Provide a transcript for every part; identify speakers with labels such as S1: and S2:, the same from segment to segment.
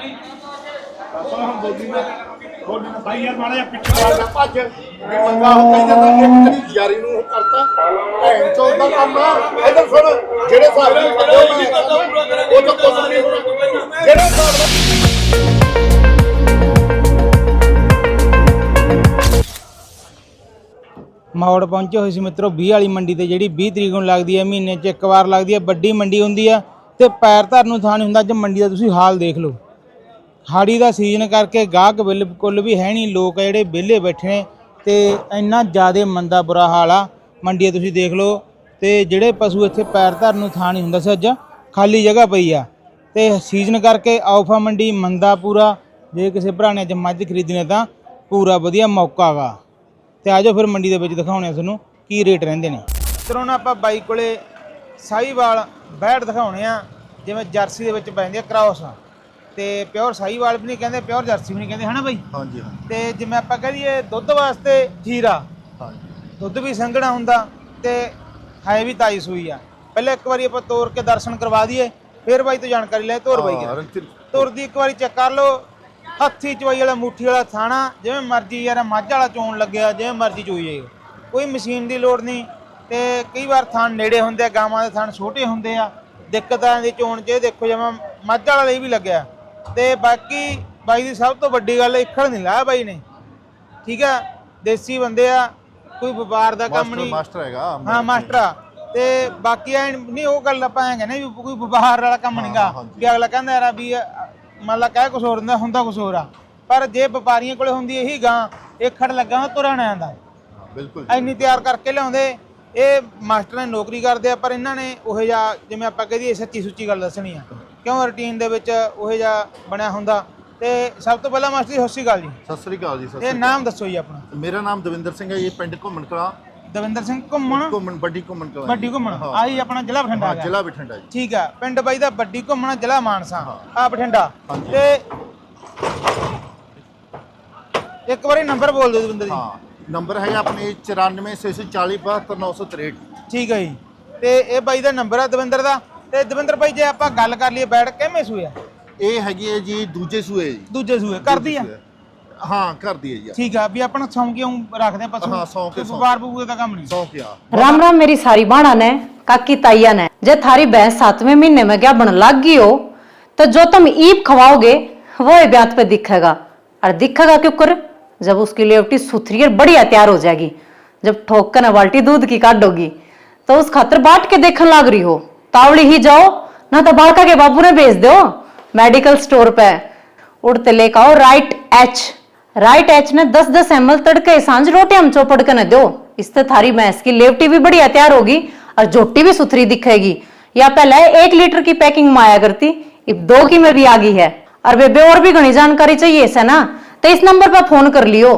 S1: भाई यार माड़ा पिछले भज मंगा कहता एक तेरी यारी करता भैन चौथ का काम है इधर सुन जेड़े हिसाब नाल वो तो कुछ नहीं होना जेड़े हिसाब
S2: ਮੌੜ ਪਹੁੰਚੇ ਹੋਏ ਸੀ ਮਿੱਤਰੋ 20 ਵਾਲੀ ਮੰਡੀ ਤੇ ਜਿਹੜੀ 20 ਤਰੀਕ ਨੂੰ ਲੱਗਦੀ ਹੈ, ਮਹੀਨੇ 'ਚ ਇੱਕ ਵਾਰ ਲੱਗਦੀ ਹੈ। ਵੱਡੀ ਮੰਡੀ ਹੁੰਦੀ ਆ ਤੇ ਪੈਰ ਧਰਨ ਨੂੰ ਥਾਂ ਨਹੀਂ ਹੁੰਦਾ। ਅੱਜ ਮੰਡੀ ਦਾ ਤੁਸੀਂ ਹਾਲ ਦੇਖ ਲਓ। ਹਾੜੀ ਦਾ ਸੀਜ਼ਨ ਕਰਕੇ ਗਾਹਕ ਬਿਲਕੁਲ ਵੀ ਹੈ ਨਹੀਂ, ਲੋਕ ਜਿਹੜੇ ਵਿਹਲੇ ਬੈਠੇ ਨੇ ਤੇ ਇੰਨਾ ਜ਼ਿਆਦਾ ਮੰਦਾ ਬੁਰਾ ਹਾਲ ਆ ਮੰਡੀ ਦਾ ਤੁਸੀਂ ਦੇਖ ਲਓ। ਤੇ ਜਿਹੜੇ ਪਸ਼ੂ ਇੱਥੇ ਪੈਰ ਧਰਨ ਨੂੰ ਥਾਂ ਨਹੀਂ ਹੁੰਦਾ ਸੀ, ਅੱਜ ਖਾਲੀ ਜਗ੍ਹਾ ਪਈ ਆ ਤੇ ਸੀਜ਼ਨ ਕਰਕੇ ਆਫਾ ਮੰਡੀ ਮੰਦਾ ਪੂਰਾ। ਜੇ ਕਿਸੇ ਭਰਾ ਨੇ ਅੱਜ ਮੱਝ ਖਰੀਦਣੀ ਤਾਂ ਪੂਰਾ ਵਧੀਆ ਮੌਕਾ ਗਾ। ਤੇ ਆਜੋ ਫਿਰ ਮੰਡੀ ਦੇ ਵਿੱਚ ਦਿਖਾਉਣੇ ਆ ਤੁਹਾਨੂੰ ਕੀ ਰੇਟ ਰਹਿੰਦੇ ਨੇ। ਤਰੋਂ ਨਾ ਆਪਾਂ ਬਾਈ ਕੋਲੇ ਸਾਹੀਵਾਲ ਬੈੜ ਦਿਖਾਉਣੇ ਆ, ਜਿਵੇਂ ਜਰਸੀ ਦੇ ਵਿੱਚ ਪੈਂਦੀ ਆ ਕ੍ਰਾਸ ਤੇ ਪਿਓਰ ਸਾਹੀਵਾਲ ਵੀ ਨਹੀਂ ਕਹਿੰਦੇ, ਪਿਓਰ ਜਰਸੀ ਵੀ ਨਹੀਂ ਕਹਿੰਦੇ, ਹਨਾ ਬਾਈ? ਹਾਂਜੀ ਹਾਂ। ਤੇ ਜਿਵੇਂ ਆਪਾਂ ਕਹਿ ਦਈਏ ਦੁੱਧ ਵਾਸਤੇ ਜੀਰਾ, ਹਾਂਜੀ ਦੁੱਧ ਵੀ ਸੰਘਣਾ ਹੁੰਦਾ ਤੇ ਹੈ ਵੀ ਤਾਈ ਸੂਈ ਆ। ਪਹਿਲਾਂ ਇੱਕ ਵਾਰੀ ਆਪਾਂ ਤੋਰ ਕੇ ਦਰਸ਼ਨ ਕਰਵਾ ਦਈਏ, ਫਿਰ ਬਾਈ ਤੋਂ ਜਾਣਕਾਰੀ ਲੈ। ਤੋਰ ਬਾਈ ਤੋਰ ਦੀ ਇੱਕ ਵਾਰੀ ਚੈੱਕ ਕਰ ਲਓ। ਹੱਥੀ ਚਵਾਈ ਵਾਲਾ ਮੁੱਠੀ ਵਾਲਾ ਥਾਣਾ, ਜਿਵੇਂ ਮਰਜ਼ੀ ਯਾਰ ਮੱਝ ਵਾਲਾ ਚੋਣ ਲੱਗਿਆ ਜਿਵੇਂ ਮਰਜ਼ੀ ਚੋਈ ਜਾਏ, ਕੋਈ ਮਸ਼ੀਨ ਦੀ ਲੋੜ ਨਹੀਂ। ਤੇ ਕਈ ਵਾਰ ਥਣ ਨੇੜੇ ਹੁੰਦੇ ਆ, ਗਾਵਾਂ ਦੇ ਥਣ ਛੋਟੇ ਹੁੰਦੇ ਆ, ਦਿੱਕਤਾਂ ਦੀ ਚੋਣ 'ਚ ਦੇਖੋ ਜਿਵੇਂ ਮੱਝ ਵਾਲਾ ਲਈ ਵੀ ਲੱਗਿਆ। ਤੇ ਬਾਕੀ ਬਾਈ ਦੀ ਸਭ ਤੋਂ ਵੱਡੀ ਗੱਲ ਇੱਖੜ ਨਹੀਂ ਲਾਇਆ ਬਾਈ ਨੇ, ਠੀਕ ਆ? ਦੇਸੀ ਬੰਦੇ ਆ, ਕੋਈ ਵਪਾਰ ਦਾ ਕੰਮ ਨਹੀਂ, ਮਾਸਟਰ ਹੈਗਾ। ਹਾਂ ਮਾਸਟਰ ਆ। ਤੇ ਬਾਕੀ ਐ ਨਹੀਂ ਉਹ ਗੱਲ ਆਪਾਂ ਐਂ ਕਹਿੰਦੇ ਵੀ ਕੋਈ ਵਪਾਰ ਵਾਲਾ ਕੰਮ ਨਹੀਂਗਾ ਵੀ ਅਗਲਾ ਕਹਿੰਦਾ ਯਾਰ ਵੀ ਮੰਨ ਲਾ ਕਹਿ ਕੁਛ ਹੋਰ ਹੁੰਦਾ ਕੁਛ ਹੋਰ ਆ। ਪਰ ਜੇ ਵਪਾਰੀਆਂ ਕੋਲੇ ਹੁੰਦੀ ਇਹੀ ਗਾਂ ਇੱਖੜ ਲੱਗਾ ਤੁਰਿਆ ਨਾ ਜਾਂਦਾ, ਬਿਲਕੁਲ ਇੰਨੀ ਤਿਆਰ ਕਰਕੇ ਲਿਆਉਂਦੇ। ਇਹ ਮਾਸਟਰ ਨੇ ਨੌਕਰੀ ਕਰਦੇ ਆ, ਪਰ ਇਹਨਾਂ ਨੇ ਉਹੋ ਜਿਹਾ ਜਿਵੇਂ ਆਪਾਂ ਕਹਿ ਦਈਏ ਸੱਚੀ ਸੁੱਚੀ ਗੱਲ ਦੱਸਣੀ ਆ, ਕਿਉਂ ਰੂਟੀਨ ਦੇ ਵਿੱਚ ਉਹੋ ਜਿਹਾ ਬਣਿਆ ਹੁੰਦਾ। ਤੇ ਸਭ ਤੋਂ ਪਹਿਲਾਂ ਮਾਸਟਰ ਜੀ ਸਤਿ ਸ਼੍ਰੀ ਅਕਾਲ ਜੀ।
S3: ਸਤਿ ਸ਼੍ਰੀ ਅਕਾਲ ਜੀ।
S2: ਇਹ ਨਾਮ ਦੱਸੋ ਜੀ ਆਪਣਾ?
S3: ਮੇਰਾ ਨਾਮ ਦਵਿੰਦਰ ਸਿੰਘ ਹੈ ਜੀ, ਪਿੰਡ ਘੁੰਮਣ ਕਲਾਂ।
S2: ਦਵਿੰਦਰ ਸਿੰਘ ਘੁੰਮਣ
S3: ਵੱਡੀ ਘੁੰਮਣ ਕਲਾਂ।
S2: ਵੱਡੀ ਘੁੰਮਣ ਆਹੀ ਆਪਣਾ ਜ਼ਿਲ੍ਹਾ ਬਠਿੰਡਾ ਹੈ?
S3: ਜ਼ਿਲ੍ਹਾ ਬਠਿੰਡਾ ਜੀ।
S2: ਠੀਕ ਆ। ਪਿੰਡ ਬਾਈ ਦਾ ਵੱਡੀ ਘੁੰਮਣ, ਜ਼ਿਲ੍ਹਾ ਮਾਨਸਾ, ਆ ਬਠਿੰਡਾ। ਤੇ ਇੱਕ ਵਾਰੀ ਨੰਬਰ ਬੋਲ ਦਿਓ ਦਵਿੰਦਰ ਜੀ।
S3: ਹਾਂ ਨੰਬਰ ਹੈ ਆਪਣੇ 9464472963।
S2: ਠੀਕ ਹੈ ਜੀ। ਤੇ ਇਹ ਬਾਈ ਦਾ ਨੰਬਰ ਆ ਦਵਿੰਦਰ ਦਾ। ਤੇ ਦਵਿੰਦਰ ਬਾਈ ਜੇ ਆਪਾਂ ਗੱਲ ਕਰ ਲਈਏ ਬੈਠ ਕਿਵੇਂ ਸੂਏ ਆ?
S3: ਇਹ ਹੈਗੀ ਹੈ ਜੀ ਦੂਜੇ ਸੂਏ ਜੀ।
S2: ਦੂਜੇ ਸੂਏ ਕਰਦੀ ਆ?
S3: ਹਾਂ ਕਰਦੀ ਹੈ ਜੀ।
S2: ਠੀਕ ਆ। ਵੀ ਆਪਣਾ ਸੌਂ ਕਿਉਂ ਰੱਖਦੇ ਆ ਪਸ਼ੂ?
S3: ਹਾਂ ਸੌਂ ਕੇ
S2: ਵਪਾਰ ਬੂਏ ਦਾ ਕੰਮ नहीं।
S3: सौ क्या।
S4: राम राम मेरी सारी बाणा ने काकी ताइया ने, जे थारी भैंस 7वें महीने में क्या बन लग गई हो तो जो तुम ईप खवाओगे वो ब्यात पे दिखेगा। और दिखेगा क्यों कर? जब उसकी लेवटी सुथरी और बढ़िया तैयार हो जाएगी, जब ठोक कर बाल्टी दूध की काटोगी तो उस खातर बाट के देखने लग रही हो, तावड़ी ही जाओ ना तो बालका के बाबू ने भेज दो मेडिकल स्टोर पे। उड़ते लेकर आओ राइट एच। राइट एच ने 10-10 ml तड़के सांझ रोटी हम चौपड़ के न दो। इससे थारी भैंस की लेवटी भी बढ़िया तैयार होगी और झोटी भी सुथरी दिखेगी। या पहले 1 लीटर की पैकिंग में आया करती, अब 2 की में भी आ गई है। और बेबे और भी घनी जानकारी चाहिए इसे ना तो इस नंबर पर फोन कर लियो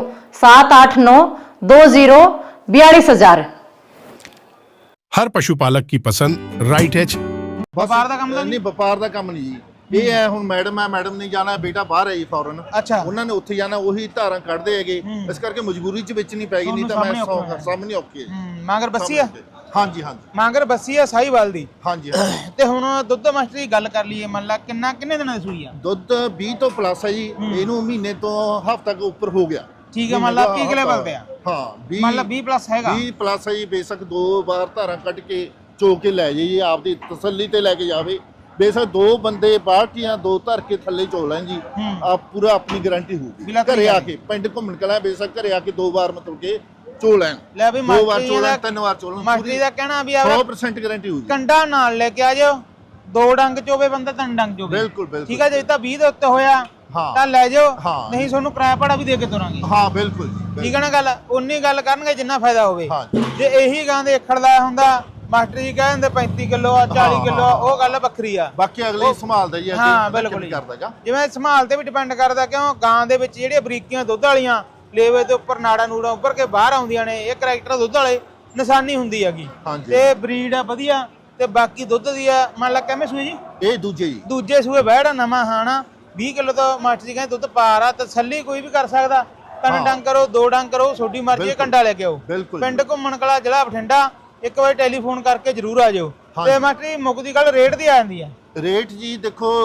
S4: 78920424000।
S5: हर पशुपालक की पसंद राइट एच।
S2: ਵਪਾਰ ਦਾ ਕੰਮ
S3: ਨਹੀਂ ਵਪਾਰ ਦਾ ਕੰਮ ਨਹੀਂ ਜੀ। ਇਹ ਹੈ ਹੁਣ ਮੈਡਮ ਹੈ, ਮੈਡਮ ਨਹੀਂ ਜਾਣਾ, ਬੇਟਾ ਬਾਹਰ ਹੈ ਜੀ ਫੌਰਨ।
S2: ਅੱਛਾ।
S3: ਉਹਨਾਂ ਨੇ ਉੱਥੇ ਜਾਣਾ, ਉਹੀ ਧਾਰਾਂ ਕੱਢਦੇ ਹੈਗੇ, ਇਸ ਕਰਕੇ ਮਜਬੂਰੀ 'ਚ ਵੇਚਣੀ ਪੈ ਗਈ। ਨਹੀਂ ਤਾਂ ਮੈਂ ਸਾਹਮਣੇ ਔਖੀ ਹੈ।
S2: ਮਾਂਗਰ ਬੱਸੀ ਆ?
S3: ਹਾਂਜੀ ਹਾਂਜੀ
S2: ਮਾਂਗਰ ਬੱਸੀ ਆ ਸਾਹੀਵਾਲ ਦੀ।
S3: ਹਾਂਜੀ।
S2: ਤੇ ਹੁਣ ਦੁੱਧ ਮਾਸਟਰ ਦੀ ਗੱਲ ਕਰ ਲਈਏ, ਮੰਨ ਲਾ ਕਿੰਨੇ ਦਿਨਾਂ ਦੀ ਸੂਈ ਆ?
S3: ਦੁੱਧ 20 ਤੋਂ ਪਲੱਸ ਹੈ ਜੀ। ਇਹਨੂੰ ਮਹੀਨੇ ਤੋਂ ਹਫ਼ਤਾ ਕੁ ਉੱਪਰ ਹੋ ਗਿਆ।
S2: ਠੀਕ ਹੈ। ਮੰਨ ਲਾ ਕੀ ਲੈਵਲ ਤੇ ਆ?
S3: ਹਾਂ 20
S2: ਮੰਨ ਲਾ 20 ਪਲੱਸ ਹੈਗਾ।
S3: 20 ਪਲੱਸ ਹੈ ਜੀ। ਬੇਸ਼ੱਕ 2 ਵਾਰ ਧਾਰਾਂ ਕੱਢ ਕੇ ਚੋ ਕੇ ਲੈ ਜਾਈਏ, ਆਪਦੀ ਤਸੱਲੀ ਤੇ ਲੈ ਕੇ ਜਾਵੇ। ਬੇਸ਼ੱਕ 2 ਬੰਦੇ ਬਾਲਟੀਆਂ 2 ਧਰ ਕੇ ਥੱਲੇ ਚੋ ਲੈਣ ਜੀ, ਆ ਪੂਰਾ ਆਪਣੀ ਗਾਰੰਟੀ ਹੋਊਗੀ। ਘਰੇ ਆ ਕੇ ਪਿੰਡ ਘੁੰਮਣ ਕਲਾ ਬੇਸ਼ੱਕ ਘਰੇ ਆ ਕੇ 2 ਵਾਰ ਮਤਲਬ ਕਿ ਚੋ ਲੈਣ।
S2: ਲੈ ਵੀ
S3: 2 ਵਾਰ ਚੋ ਲੈਣ, 3 ਵਾਰ ਚੋ ਲੈਣ।
S2: ਮਾਸਟਰੀ ਦਾ ਕਹਿਣਾ ਵੀ
S3: 100% ਗਾਰੰਟੀ ਹੋਊਗੀ।
S2: ਕੰਡਾ ਨਾਲ ਲੈ ਕੇ ਆ ਜਾਓ, 2 ਡੰਗ ਚੋਵੇ ਬੰਦਾ 3 ਡੰਗ ਚੋਵੇ।
S3: ਬਿਲਕੁਲ ਬਿਲਕੁਲ।
S2: ਠੀਕ ਹੈ। ਜੇ ਤਾਂ 20 ਦੇ ਉੱਤੇ ਹੋਇਆ ਤਾਂ ਲੈ ਜਾਓ, ਨਹੀਂ ਤੁਹਾਨੂੰ ਕਿਰਾਇਆ ਭਾੜਾ ਵੀ ਦੇ ਕੇ ਤੁਰਾਂਗੇ।
S3: ਹਾਂ ਬਿਲਕੁਲ।
S2: ਠੀਕ ਹੈ ਨਾ ਗੱਲ? ਉਨੀ ਗੱਲ ਕਰਨਗੇ ਜਿੰਨਾ ਫਾਇਦਾ ਹੋਵੇ। ਜੇ ਇਹੀ ਗਾਂ ਦੇ ਅੱਖੜ ਲਾਇਆ ਹੁੰਦਾ ਮਾਸਟਰ ਜੀ ਕਹਿੰਦੇ 35 ਕਿਲੋ ਆ 40 ਕਿਲੋ ਆ, ਉਹ ਗੱਲ ਵੱਖਰੀ ਆ।
S3: ਬਾਕੀ ਅਗਲੇ ਸੰਭਾਲਦਾ ਜੀ।
S2: ਹਾਂ ਬਿਲਕੁਲ ਕਰਦਾਗਾ। ਜਿਵੇਂ ਸੰਭਾਲ ਤੇ ਵੀ ਡਿਪੈਂਡ ਕਰਦਾ, ਕਿਉਂ ਗਾਂ ਦੇ ਵਿੱਚ ਜਿਹੜੀਆਂ ਬਰੀਕੀਆਂ ਦੁੱਧ ਵਾਲੀਆਂ ਲੇਵੇ ਦੇ ਉੱਪਰ ਨਾੜਾ ਨੂੜਾ ਉੱਪਰ ਕੇ ਬਾਹਰ ਆਉਂਦੀਆਂ ਨੇ, ਇਹ ਕਰੈਕਟਰ ਦੁੱਧ ਵਾਲੇ ਨਿਸ਼ਾਨੀ ਹੁੰਦੀ ਹੈਗੀ। ਤੇ ਬਰੀਡ ਆ ਵਧੀਆ। ਤੇ ਬਾਕੀ ਦੁੱਧ ਦੀ ਆ ਮੰਨ ਲਾ ਕਿਵੇਂ ਸੂਏ ਜੀ? ਇਹ ਦੂਜੇ ਸੂਏ ਬੈੜਾ ਨਵਾਂ ਹਾਣਾ 20 ਕਿਲੋ ਤੋਂ ਮਾਸਟਰ ਜੀ ਕਹਿੰਦੇ ਦੁੱਧ ਪਾਰ ਆ। ਤਸੱਲੀ ਕੋਈ ਵੀ ਕਰ ਸਕਦਾ। 3 ਡੰਗ ਕਰੋ 2 ਡੰਗ ਕਰੋ, ਤੁਹਾਡੀ ਮਰਜ਼ੀ। ਕੰਡਾ ਲੈ ਕੇ ਆਓ। ਪਿੰਡ ਘੁੰਮਣ ਕਲਾ, ਜ਼ਿਲ੍ਹਾ ਬਠਿੰਡਾ। ਇੱਕ ਵਾਰ ਟੈਲੀਫੋਨ ਕਰਕੇ ਜਰੂਰ ਆ ਜਾਓ। ਤੇ ਮਾਸਟਰ ਜੀ ਮੁੱਕਦੀ ਗੱਲ ਰੇਟ ਦੀ ਆ ਜਾਂਦੀ ਆ।
S3: ਰੇਟ ਜੀ ਦੇਖੋ